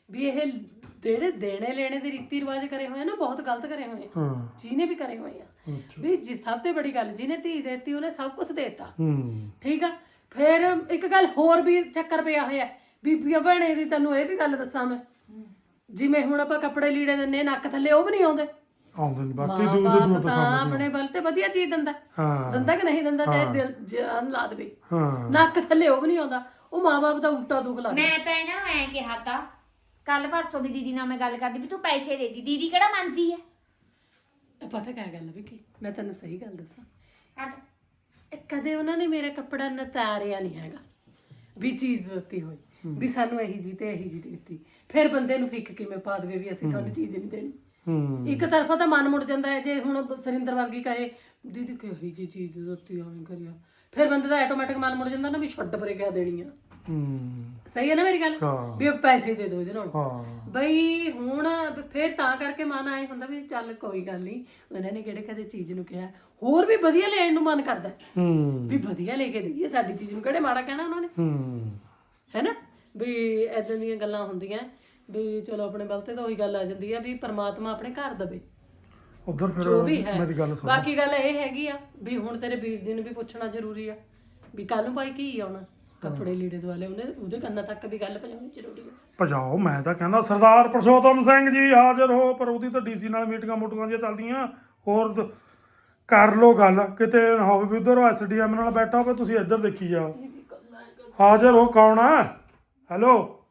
Speaker 3: ਵੀ ਇਹ ਜਿਹੜੇ ਦੇਣੇ ਲੈਣੇ ਦੇ ਰੀਤੀ ਰਿਵਾਜ ਕਰੇ ਹੋਏ ਆ ਨਾ ਬਹੁਤ ਗਲਤ ਕਰੇ ਹੋਏ ਆ
Speaker 1: ਹਾਂ
Speaker 3: ਜਿਹਨੇ ਵੀ ਕਰੇ ਹੋਏ ਆ ਵੀ ਜੀ ਸਭ ਤੋਂ ਬੜੀ ਗੱਲ ਜਿਹਨੇ ਧੀ ਦੇਤੀ ਉਹਨੇ ਸਭ ਕੁਝ ਦੇਤਾ
Speaker 1: ਹੂੰ
Speaker 3: ਠੀਕ ਆ ਫਿਰ ਇੱਕ ਗੱਲ ਹੋਰ ਵੀ ਚੱਕਰ ਪਿਆ ਹੋਇਆ ਬੀਬੀਆਂ ਭੈਣੇ ਦੀ ਤੈਨੂੰ ਇਹ ਵੀ ਗੱਲ ਦੱਸਾਂ ਮੈਂ ਜਿਵੇਂ ਹੁਣ ਆਪਾਂ ਕੱਪੜੇ ਲੀੜੇ ਦਿੰਨੇ ਨੱਕ ਥੱਲੇ ਉਹ ਵੀ ਨਹੀਂ ਆਉਂਦੇ
Speaker 1: ਆਉਂਦੇ ਨਹੀਂ ਬਾਕੀ ਦੂਰ ਦੇ
Speaker 3: ਮਾਂ
Speaker 1: ਦੂਰ
Speaker 3: ਬਾਪ ਤਾਂ ਆਪਣੇ ਵੱਲ ਤੇ ਵਧੀਆ ਚੀਜ਼ ਦਿੰਦਾ
Speaker 1: ਹਾਂ
Speaker 3: ਦਿੰਦਾ ਕਿ ਨਹੀਂ ਦਿੰਦਾ ਚਾਹੇ ਦਿਲ ਜਾਨ ਲਾ ਦੇਵੇ
Speaker 1: ਹਾਂ
Speaker 3: ਨੱਕ ਥੱਲੇ ਉਹ ਵੀ ਨਹੀਂ ਆਉਂਦਾ ਉਹ ਮਾਂ ਬਾਪ ਦਾ ਉਲਟਾ ਦੁੱਖ ਲੱਗਦਾ
Speaker 2: ਮੈਂ ਤਾਂ ਇਹਨਾਂ ਨੂੰ ਐਂ ਕਿਹਾ ਤਾ ਕੱਲ ਪਰਸੋਂ ਵੀ ਦੀਦੀ ਨਾਲ ਮੈਂ ਗੱਲ ਕਰਦੀ ਵੀ ਤੂੰ ਪੈਸੇ ਦੇ ਦੀ ਦੀਦੀ ਕਿਹੜਾ ਮੰਨਦੀ ਹੈ
Speaker 3: ਪਤਾ ਕਿਆ ਗੱਲ ਹੈ ਕਿ ਮੈਂ ਤੈਨੂੰ ਸਹੀ ਗੱਲ ਦੱਸਾਂ
Speaker 2: ਹਟ
Speaker 3: ਇਹ ਕਦੇ ਉਹਨਾਂ ਨੇ ਮੇਰਾ ਕੱਪੜਾ ਨਤਾਰਿਆ ਨਹੀਂ ਹੈਗਾ ਵੀ ਚੀਜ਼ ਦਿੱਤੀ ਹੋਈ ਵੀ ਸਾਨੂੰ ਇਹੀ ਜੀ ਤੇ ਇਹੀ ਜੀ ਦਿੱਤੀ ਫਿਰ ਬੰਦੇ ਨੂੰ ਫਿੱਕ ਕਿਵੇਂ ਪਾ ਦੇਵੇ ਵੀ ਅਸੀਂ ਤੁਹਾਨੂੰ ਚੀਜ਼ ਨਹੀਂ ਦੇਣੀ
Speaker 1: ਹੂੰ
Speaker 3: ਇੱਕ ਤਰਫਾ ਤਾਂ ਮਨ ਮੁੜ ਜਾਂਦਾ ਹੈ ਜੇ ਹੁਣ ਸਰਿੰਦਰ ਵਰਗੀ ਕਹੇ ਦੀਦੀ ਕਿਹੀ ਜੀ ਚੀਜ਼ ਦਿੱਤੀ ਆਵੇਂ ਕਰਿਆ ਫਿਰ ਬੰਦੇ ਦਾ ਆਟੋਮੈਟਿਕ ਮਨ ਮੁੜ ਜਾਂਦਾ ਨਾ ਵੀ ਛੱਡ ਪਰੇ ਕਿਆ ਦੇਣੀ ਆ
Speaker 1: ਹੂੰ
Speaker 3: ਸਹੀ ਹੈ ਨਾ ਮੇਰੀ ਗੱਲ
Speaker 1: ਹਾਂ
Speaker 3: ਵੀ ਪੈਸੇ ਦੇ ਦਿਓ ਇਹਦੇ ਨਾਲ
Speaker 1: ਹਾਂ
Speaker 3: ਬਈ ਹੁਣ ਫਿਰ ਤਾਂ ਕਰਕੇ ਮਨ ਆਏ ਹੁੰਦਾ ਵੀ ਚੱਲ ਕੋਈ ਗੱਲ ਨਹੀਂ ਉਹਨਾਂ ਨੇ ਕਿਹੜੇ ਕਦੇ ਚੀਜ਼ ਨੂੰ ਕਿਹਾ ਹੋਰ ਵੀ ਵਧੀਆ ਲੈਣ ਨੂੰ ਮਨ ਕਰਦਾ
Speaker 1: ਹੂੰ
Speaker 3: ਵੀ ਵਧੀਆ ਲੈ ਕੇ ਦਈਏ ਸਾਡੀ ਚੀਜ਼ ਨੂੰ ਕਿਹੜੇ ਮਾੜਾ ਕਹਿਣਾ ਉਹਨਾਂ ਨੇ
Speaker 1: ਹੂੰ
Speaker 3: ਹੈਨਾ ਵੀ ਐਦਾਂ ਦੀਆਂ ਗੱਲਾਂ ਹੁੰਦੀਆਂ ਵੀ ਚਲੋ ਆਪਣੇ ਵੱਲ ਤੇ ਤਾਂ ਉਹੀ ਗੱਲ ਆ ਜਾਂਦੀ ਆ ਵੀ ਪ੍ਰਮਾਤਮਾ ਆਪਣੇ ਘਰ ਦਵੇ
Speaker 1: ਉਧਰ
Speaker 3: ਜੋ ਵੀ
Speaker 1: ਫਿਰ
Speaker 3: ਹੈ
Speaker 1: ਮੇਰੀ ਗੱਲ ਸੁਣ
Speaker 3: ਬਾਕੀ ਗੱਲ ਇਹ ਹੈਗੀ ਆ ਵੀ ਹੁਣ ਤੇਰੇ ਵੀਰ ਜੀ ਨੂੰ ਵੀ ਪੁੱਛਣਾ ਜ਼ਰੂਰੀ ਆ ਵੀ ਕੱਲ ਨੂੰ ਭਾਈ ਕੀ ਆਉਣਾ ਕੱਪੜੇ ਲੀੜੇ ਦੁਆਲੇ ਉਹਨੇ ਉਹਦੇ ਕੰਨਾਂ ਤੱਕ ਵੀ ਗੱਲ ਪਹੁੰਚਾਉਣੀ ਜ਼ਰੂਰੀ ਆ
Speaker 1: ਭਜਾਓ ਮੈਂ ਤਾਂ ਕਹਿੰਦਾ ਸਰਦਾਰ ਪ੍ਰਸ਼ੋਤਮ ਸਿੰਘ ਜੀ ਹਾਜ਼ਰ ਹੋ ਪਰ ਉਹਦੀ ਤਾਂ ਡੀਸੀ ਨਾਲ ਮੀਟਿੰਗਾਂ ਮੋਟੀਆਂ ਜਿਹੀਆਂ ਚੱਲਦੀਆਂ ਹੋਰ ਦ- ਕਰ ਲੋ ਗੱਲ ਕਿਤੇ ਨਾ ਹੋਵੇ ਵੀ ਉਧਰ ਐਸਡੀਐਮ ਨਾਲ ਬੈਠਾ ਹੋਵੇ ਤੁਸੀਂ ਇੱਧਰ ਦੇਖੀ ਜਾਓ ਹਾਜ਼ਰ ਹੋ ਕੌਣ ਆ ਹੈਲੋ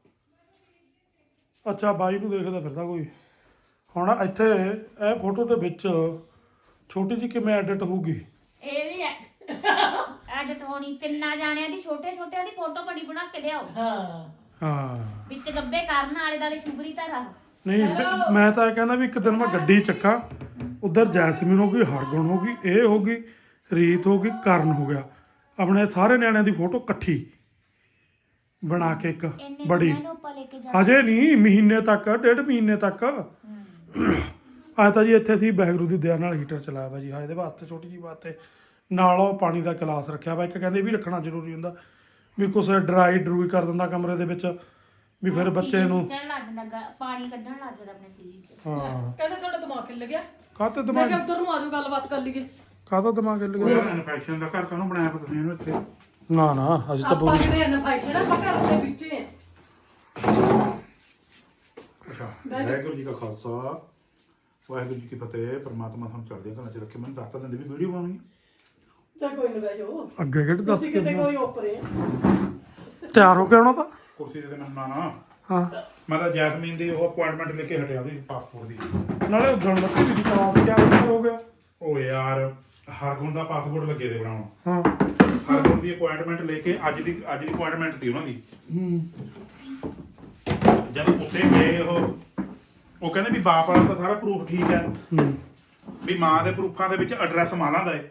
Speaker 1: ਅੱਛਾ ਬਾਈ ਨੂੰ ਦੇਖਦਾ ਫਿਰਦਾ ਕੋਈ ਹੁਣ ਇੱਥੇ ਇਹ ਫੋਟੋ ਦੇ ਵਿੱਚ ਛੋਟੀ ਜਿਹੀ ਕਿਵੇਂ ਐਡਿਟ ਹੋਊਗੀ
Speaker 2: ਇਹ ਵੀ ਐਡਿਟ ਹੋਣੀ ਤਿੰਨਾਂ ਜਾਣਿਆਂ ਦੀ ਛੋਟੇ ਛੋਟਿਆਂ ਦੀ ਫੋਟੋ ਬੜੀ ਬਣਾ ਕੇ ਲਿਆਓ
Speaker 3: ਹਾਂ
Speaker 1: ਹਾਂ
Speaker 2: ਵਿੱਚ ਗੱਬੇ ਕਰਨ ਵਾਲੇ ਦਾਲੇ ਸ਼ੁਭਰੀ ਧਾਰਾ
Speaker 1: ਨਹੀਂ ਬ- ਮੈਂ ਤਾਂ ਇਹ ਕਹਿੰਦਾ ਵੀ ਇੱਕ ਦਿਨ ਮੈਂ ਗੱਡੀ ਚੱਕਾਂ ਉਧਰ ਜੈਸਮੀਨ ਹੋ ਗਈ ਹਰਗੁਣ ਹੋ ਗਈ ਇਹ ਹੋ ਗਈ ਰੀਤ ਹੋ ਗਈ ਕਰਨ ਹੋ ਗਿਆ ਆਪਣੇ ਸਾਰੇ ਨਿਆਣਿਆਂ ਦੀ ਫੋਟੋ ਇਕੱਠੀ ਬਣਾ ਕੇ ਇੱਕ
Speaker 2: ਇੰਨੇ
Speaker 1: ਬੜੀ
Speaker 2: ਦਿਨਾਂ ਨੂੰ ਆਪਾਂ ਲੈ ਕੇ ਜਾ
Speaker 1: ਹਜੇ ਨਹੀਂ ਮਹੀਨੇ ਤੱਕ ਡੇਢ ਮਹੀਨੇ ਤੱਕ ਆ ਤਾਂ ਜੀ ਇੱਥੇ ਅਸੀਂ ਬੈਗਰੂ ਦੀ ਦਇਆ ਨਾਲ ਹੀਟਰ ਚਲਾਇਆ ਵਾ ਜੀ ਹਾਂ ਇਹਦੇ ਵਾਸਤੇ ਛੋਟੀ ਜੀ ਵਾਸਤੇ ਨਾਲ ਉਹ ਪਾਣੀ ਦਾ ਗਲਾਸ ਰੱਖਿਆ ਵਾ ਇੱਕ ਕਹਿੰਦੇ ਇਹ ਵੀ ਰੱਖਣਾ ਜ਼ਰੂਰੀ ਹੁੰਦਾ ਵੀ ਕੁਛ ਡਰਾਈ ਡਰੂਈ ਕਰ ਦਿੰਦਾ ਕਮਰੇ ਦੇ ਵਿੱਚ ਵੀ ਫਿਰ ਬੱਚੇ ਨੂੰ
Speaker 2: ਚੜ੍ਹਨ ਲੱਗ ਜਾਂਦਾ ਗਾ- ਪਾਣੀ ਕੱਢਣ ਲੱਗ ਜਾਂਦਾ ਆਪਣੇ ਸਰੀਰ 'ਚ
Speaker 1: ਹਾਂ
Speaker 3: ਕਹਿੰਦੇ ਤੁਹਾਡਾ ਦਿਮਾਗ ਖਿੱਲ ਗਿਆ
Speaker 1: ਕਾਹਤੇ
Speaker 3: ਮੈਂ
Speaker 1: ਦਿਮਾਗ
Speaker 3: ਕਿਹਾ ਉੱਧਰ ਨੂੰ ਆਜੋ ਗੱਲਬਾਤ ਕਰ ਲਈਏ
Speaker 1: ਕਾਹਦਾ ਦਿਮਾਗ ਹਿੱਲ ਗਿਆ
Speaker 5: ਇਨਫੈਕਸ਼ਨ ਦਾ ਘਰ ਕਾਹਨੂੰ ਬਣਾਇਆ ਪਤਾ ਤੁਸੀਂ ਇਹਨੂੰ ਇੱਥੇ
Speaker 1: ਨਾ ਨਾ ਅਜੇ ਤਾਂ
Speaker 3: ਆਪਾਂ ਕਿਤੇ ਇਹਨਾਂ ਫਾਈਟ ਨਾ ਆਪਾਂ ਘਰ ਦੇ ਵਿੱਚ ਹੀ ਆ
Speaker 5: ਅੱਛਾ ਵਾਹਿਗੁਰੂ ਜੀ ਕਾ ਖਾਲਸਾ ਵਾਹਿਗੁਰੂ ਜੀ ਕੀ ਫਤਿਹ ਪਰਮਾਤਮਾ ਤੁਹਾਨੂੰ ਚੜ੍ਹਦੀਆਂ ਕਲਾਂ ਚ ਰੱਖੇ ਮੈਨੂੰ ਦੱਸ ਤਾਂ ਦਿੰਦੇ ਵੀ ਵੀਡੀਓ ਬਣਾਉਣੀ ਹੈ
Speaker 3: ਚਾ ਕੋਈ ਨਾ ਬੈਜੋ
Speaker 1: ਅੱਗੇ ਕਿਹੜੇ ਦੱਸ
Speaker 3: ਤੁਸੀਂ
Speaker 1: ਕੇ
Speaker 3: ਕਿਤੇ ਕੋਈ ਓਪਰੇ
Speaker 1: ਤਿਆਰ ਹੋ ਕੇ ਆਉਣਾ ਤਾਂ
Speaker 5: ਕੁਰਸੀ ਤੇ ਮੈਨੂੰ ਨਾ ਨਾ
Speaker 1: ਹਾਂ
Speaker 5: ਮੈਂ ਤਾਂ ਜੈਸਮੀਨ ਦੀ ਉਹ ਅਪਾਇੰਟਮੈਂਟ ਲੈ ਕੇ ਹਟਿਆ ਉਹਦੀ ਪਾਸਪੋਰਟ ਦੀ
Speaker 1: ਨਾਲੇ ਉਦਣ ਲੱਗੀ ਵੀ ਕਲਾਸ ਕਿਆ ਹੋ ਗਿਆ
Speaker 5: ਉਹ ਯਾਰ ਹਰਗੁਣ ਦਾ ਪਾਸਪੋਰਟ ਲੱਗੇ ਦੇ ਬਣਾਉਣ
Speaker 1: ਹਾਂ
Speaker 5: ਹਰਗੁਣ ਦੀ ਅਪਾਇੰਟਮੈਂਟ ਲੈ ਕੇ ਅੱਜ ਦੀ ਅੱਜ ਦੀ ਅਪਾਇੰਟਮੈਂਟ ਸੀ ਉਹਨਾਂ ਦੀ
Speaker 1: ਹੂੰ
Speaker 5: ਜਦ ਉੱਤੇ ਗਏ ਉਹ ਉਹ ਕਹਿੰਦੇ ਵੀ ਬਾਪ ਵਾਲਾ ਤਾਂ ਸਾਰਾ ਪ੍ਰੂਫ ਠੀਕ ਹੈ
Speaker 1: ਹੂੰ
Speaker 5: ਵੀ ਮਾਂ ਦੇ ਪ੍ਰੂਫਾਂ ਦੇ ਵਿੱਚ ਐਡਰੈਸ ਮਾਲਾਂ ਦਾ ਹੈ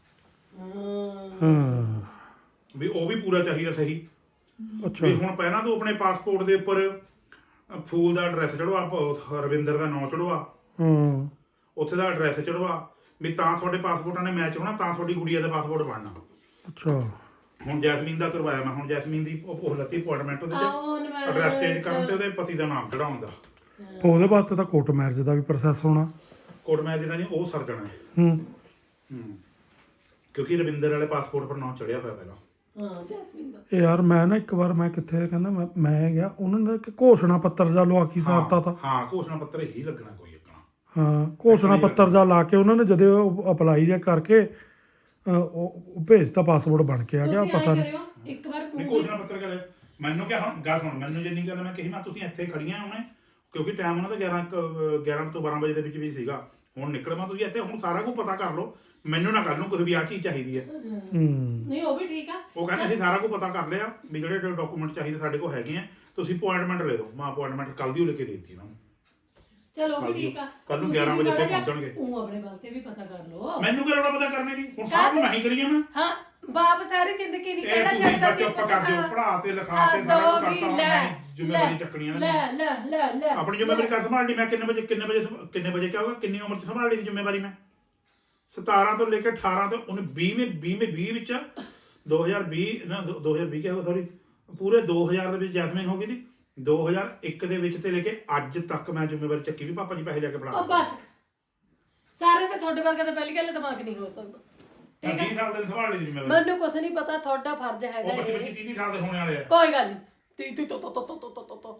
Speaker 1: ਹਾਂ
Speaker 5: ਵੀ ਉਹ ਵੀ ਪੂਰਾ ਚਾਹੀਦਾ ਸਹੀ
Speaker 1: ਅੱਛਾ
Speaker 5: ਵੀ ਹੁਣ ਪਹਿਲਾਂ ਤੂੰ ਆਪਣੇ ਪਾਸਪੋਰਟ ਦੇ ਉੱਪਰ ਅ, ਫੂਲ ਦਾ ਐਡਰੈਸ ਚੜਵਾ ਪ- ਰਵਿੰਦਰ ਦਾ ਨਾਮ ਚੜਵਾ
Speaker 1: ਹੂੰ
Speaker 5: ਉੱਥੇ ਦਾ ਐਡਰੈਸ ਚੜਵਾ ਵੀ ਤਾਂ ਤੁਹਾਡੇ ਪਾਸਪੋਰਟਾਂ ਨੇ ਮੈਚ ਹੋਣਾ ਤਾਂ ਤੁਹਾਡੀ ਗੁੜੀਆ ਦਾ ਪਾਸਪੋਰਟ ਬਣਨਾ
Speaker 1: ਅੱਛਾ
Speaker 5: ਹੁਣ ਜੈਸਮੀਨ ਦਾ ਕਰਵਾਇਆ ਮੈਂ ਹੁਣ ਜੈਸਮੀਨ ਦੀ ਉਹ ਉਹ ਲੱਤੀ ਅਪਾਇੰਟਮੈਂਟ ਉਹਦੇ
Speaker 3: ਆਹੋ,
Speaker 5: ਤੇ
Speaker 3: ਮੈਂ-
Speaker 5: ਐਡਰੈਸ ਚੇਂਜ ਕਰਨ ਤੇ ਉਹਦੇ ਪਤੀ ਦਾ ਨਾਮ ਚੜਾਉਣ ਦਾ
Speaker 1: ਉਹਦੇ ਵਾਸਤੇ ਤਾਂ ਕੋਰਟ ਮੈਰਿਜ ਦਾ ਵੀ ਪ੍ਰੋਸੈਸ ਹੋਣਾ
Speaker 5: ਕੋਰਟ ਮੈਚ ਦਾ ਨਹੀਂ ਉਹ ਸਰ ਜਾਣਾ ਹੈ
Speaker 1: ਹੂੰ
Speaker 5: ਹੂੰ ਕਿਉਂਕਿ ਰਵਿੰਦਰ ਵਾਲੇ ਪਾਸਪੋਰਟ ਪਰ ਨਾਮ ਚੜਿਆ ਹੋਇਆ ਪਹਿਲਾਂ
Speaker 3: ਹਾਂ ਜੈਸਮੀਨ ਦਾ
Speaker 1: ਇਹ ਯਾਰ ਮੈਂ ਨਾ ਇੱਕ ਵਾਰ ਮੈਂ ਕਿੱਥੇ ਕਹਿੰਦਾ ਮੈਂ ਮੈਂ ਗਿਆ ਉਹਨਾਂ ਨੇ ਇੱਕ ਘੋਸ਼ਣਾ ਪੱਤਰ ਜਾ ਲਵਾ ਕੇ ਸਾਰਤਾ ਤਾ
Speaker 5: ਹਾਂ ਘੋਸ਼ਣਾ ਪੱਤਰ ਹੀ ਲੱਗਣਾ ਕੋਈ ਲੱਗਣਾ
Speaker 1: ਹਾਂ ਘੋਸ਼ਣਾ ਪੱਤਰ ਜਾ ਲਾ ਕੇ ਉਹਨਾਂ ਨੇ ਜਦੋਂ ਅਪਲਾਈ ਜਿਹਾ ਕਰਕੇ ਅਹ, ਉਹ ਉਹ ਭੇਜਤਾ ਪਾਸਪੋਰਟ ਬਣ ਕੇ ਆ ਗਿਆ
Speaker 3: ਤੁਸੀਂ
Speaker 1: ਪਤਾ
Speaker 3: ਐਂ
Speaker 1: ਨਹੀਂ
Speaker 3: ਕਰਿਓ ਇੱਕ ਵਾਰ
Speaker 5: ਨਹੀਂ ਘੋਸ਼ਣਾ ਪੱਤਰ ਕਰੇ ਮੈਨੂੰ ਕਿਹਾ ਹੁਣ ਗੱਲ ਸੁਣ ਮੈਨੂੰ ਜਿੰਨੀ ਗੱਲ ਮੈਂ ਕਹੀ ਮੈਂ ਤੁਸੀਂ ਇੱਥੇ ਖੜੀਆਂ ਹੁਣੇ ਕਿਉਂਕਿ ਟਾਈਮ ਉਹਨਾਂ ਦਾ ਗਿਆਰਾਂ ਕੁ- ਗਿਆਰਾਂ ਤੋਂ ਬਾਰਾਂ ਵਜੇ ਦੇ ਵਿੱਚ ਵੀ ਸੀਗਾ ਹੁਣ ਨਿਕਲਵਾ ਤੁਸੀਂ ਇੱਥੇ ਹੁਣ ਸਾਰਾ ਕੁਝ ਪਤਾ ਕਰ ਲਓ ਮੈਨੂੰ ਨਾ ਕੱਲ ਨੂੰ ਕੋਈ ਵੀ ਆ ਚੀਜ਼ ਚਾਹੀਦੀ ਹੈ
Speaker 1: ਹੂੰ
Speaker 3: ਨਹੀਂ ਉਹ ਵੀ ਠੀਕ ਆ
Speaker 5: ਉਹ ਕਹਿੰਦੇ ਅਸੀਂ ਸਾਰਾ ਕੁਝ ਪਤਾ ਕਰ ਲਿਆ ਵੀ ਜਿਹੜੇ ਡਾਕੂਮੈਂਟ ਚਾਹੀਦੇ ਸਾਡੇ ਕੋਲ ਹੈਗੇ ਆ ਤੁਸੀਂ ਅਪਾਇੰਟਮੈਂਟ ਲੈ ਦਿਓ ਮੈਂ ਅਪਾਇੰਟਮੈਂਟ ਕੱਲ ਦੀ ਉਹ ਲੈ ਕੇ ਦੇ ਦਿੱਤੀ ਉਹਨਾਂ ਨੂੰ
Speaker 3: ਚਲੋ ਉਹ
Speaker 5: ਕੱਲ੍ਹ
Speaker 3: ਵੀ ਠੀਕ ਆ
Speaker 5: ਕੱਲ੍ਹ ਨੂੰ
Speaker 3: ਤੁਸੀਂ
Speaker 5: ਗਿਆਰਾਂ
Speaker 3: ਵੀ
Speaker 5: ਵਜੇ
Speaker 3: ਮਾੜਾ ਜਿਹਾ
Speaker 5: ਪਹੁੰਚਣਗੇ।
Speaker 3: ਉਹ ਆਪਣੇ ਵੱਲ ਤੇ ਵੀ ਪਤਾ ਕਰ ਲਓ
Speaker 5: ਮੈਨੂੰ ਕਿਹੜਾ ਲੋੜਾ ਪਤਾ ਕਰਨੇ ਦੀ ਹੁਣ ਸਾਰਾ ਕੁਝ ਮੈਂ ਹੀ ਕਰੀਏ ਮੈਂ
Speaker 3: ਹਾਂ ਬਾਪ ਸਾਰੀ ਜ਼ਿੰਦਗੀ ਨਹੀਂ
Speaker 5: ਇਹ
Speaker 3: ਕਹਿਣਾ
Speaker 5: ਤੁਸੀਂ
Speaker 3: ਚਾਹਤਾ
Speaker 5: ਬੱਚੇ ਉੱਪਰ ਕਰ ਦਿਓ ਪੜਾ ਤੇ ਲਿਖਾ ਤੇ ਸਾਰਾ ਕੁਝ ਕਰਤਾ ਹੁਣ ਮੈਂ ਜ਼ਿੰਮੇਵਾਰੀ ਚੱਕਣੀ ਹੈ
Speaker 3: ਲੈ ਲੈ ਲੈ ਲੈ
Speaker 5: ਆਪਣੀ ਜ਼ਿੰਮੇਵਾਰੀ ਕਰ ਸੰਭਾਲਣੀ ਮੈਂ ਕਿੰਨੇ ਵਜੇ ਕਿੰਨੇ ਵਜੇ ਸੰਭ- ਕਿੰਨੇ ਵਜੇ ਕਿਹਾ ਹੋਗਾ ਕਿੰਨੀ ਉਮਰ ਚ ਸੰਭਾਲ ਲਈ ਜ਼ਿੰਮੇਵਾਰੀ ਮੈਂ ਸਤਾਰਾਂ ਤੋਂ ਲੈ ਕੇ ਅਠਾਰਾਂ ਤੋਂ ਉਹਨੇ ਵੀਹ ਵਿੱਚ ਵੀਹ ਵਿੱਚ ਵੀਹ ਵਿੱਚ ਦੋ ਹਜ਼ਾਰ ਵੀਹ ਨਾ ਦੋ ਹਜ਼ਾਰ ਵੀਹ ਕਿਹਾ ਹੋਗਾ ਸੌਰੀ ਪੂਰੇ ਦੋ ਹਜ਼ਾਰ ਦੇ ਵਿੱਚ ਜੈਸਮੀਨ ਹੋ ਗਈ ਸੀ ਦੋ ਹਜ਼ਾਰ ਇੱਕ ਦੇ ਵਿੱਚ ਤੇ ਲੈ ਕੇ ਅੱਜ ਤੱਕ ਮੈਂ ਜ਼ਿੰਮੇਵਾਰੀ ਚੱਕੀ ਵੀ ਪਾਪਾ ਜੀ ਪੈਸੇ ਲੈ ਕੇ ਫੜਾ
Speaker 3: ਉਹ ਬਸ ਸਾਰੇ ਤੇ ਤੁਹਾਡੇ ਵਰਗਾ ਤਾਂ ਪਹਿਲੀ ਗੱਲ ਦਿਮਾਗ ਨਹੀਂ ਹੋ ਸਕਦਾ ਠੀਕ
Speaker 5: ਵੀਹ
Speaker 3: ਹੈ
Speaker 5: ਸਾਲ ਦੇ ਸੰਭਾਲ ਲਈ ਜ਼ਿੰਮੇਵਾਰੀ
Speaker 3: ਮੈਨੂੰ ਕੁਛ ਨਹੀਂ ਪਤਾ ਤੁਹਾਡਾ ਫਰਜ਼ ਹੈਗਾ
Speaker 5: ਉਹ ਬੱਚੇ
Speaker 3: ਇਹ
Speaker 5: ਬੱਚੇ ਤੀਹ ਸਾਲ ਦੇ ਹੋਣੇ ਵਾਲੇ ਆ
Speaker 3: ਕੋਈ ਗੱਲ ਨਹੀਂ ਤੀ ਤੀ ਤੋ ਤੋ ਤੋ ਤੋ ਤੋ ਤੋ ਤੋ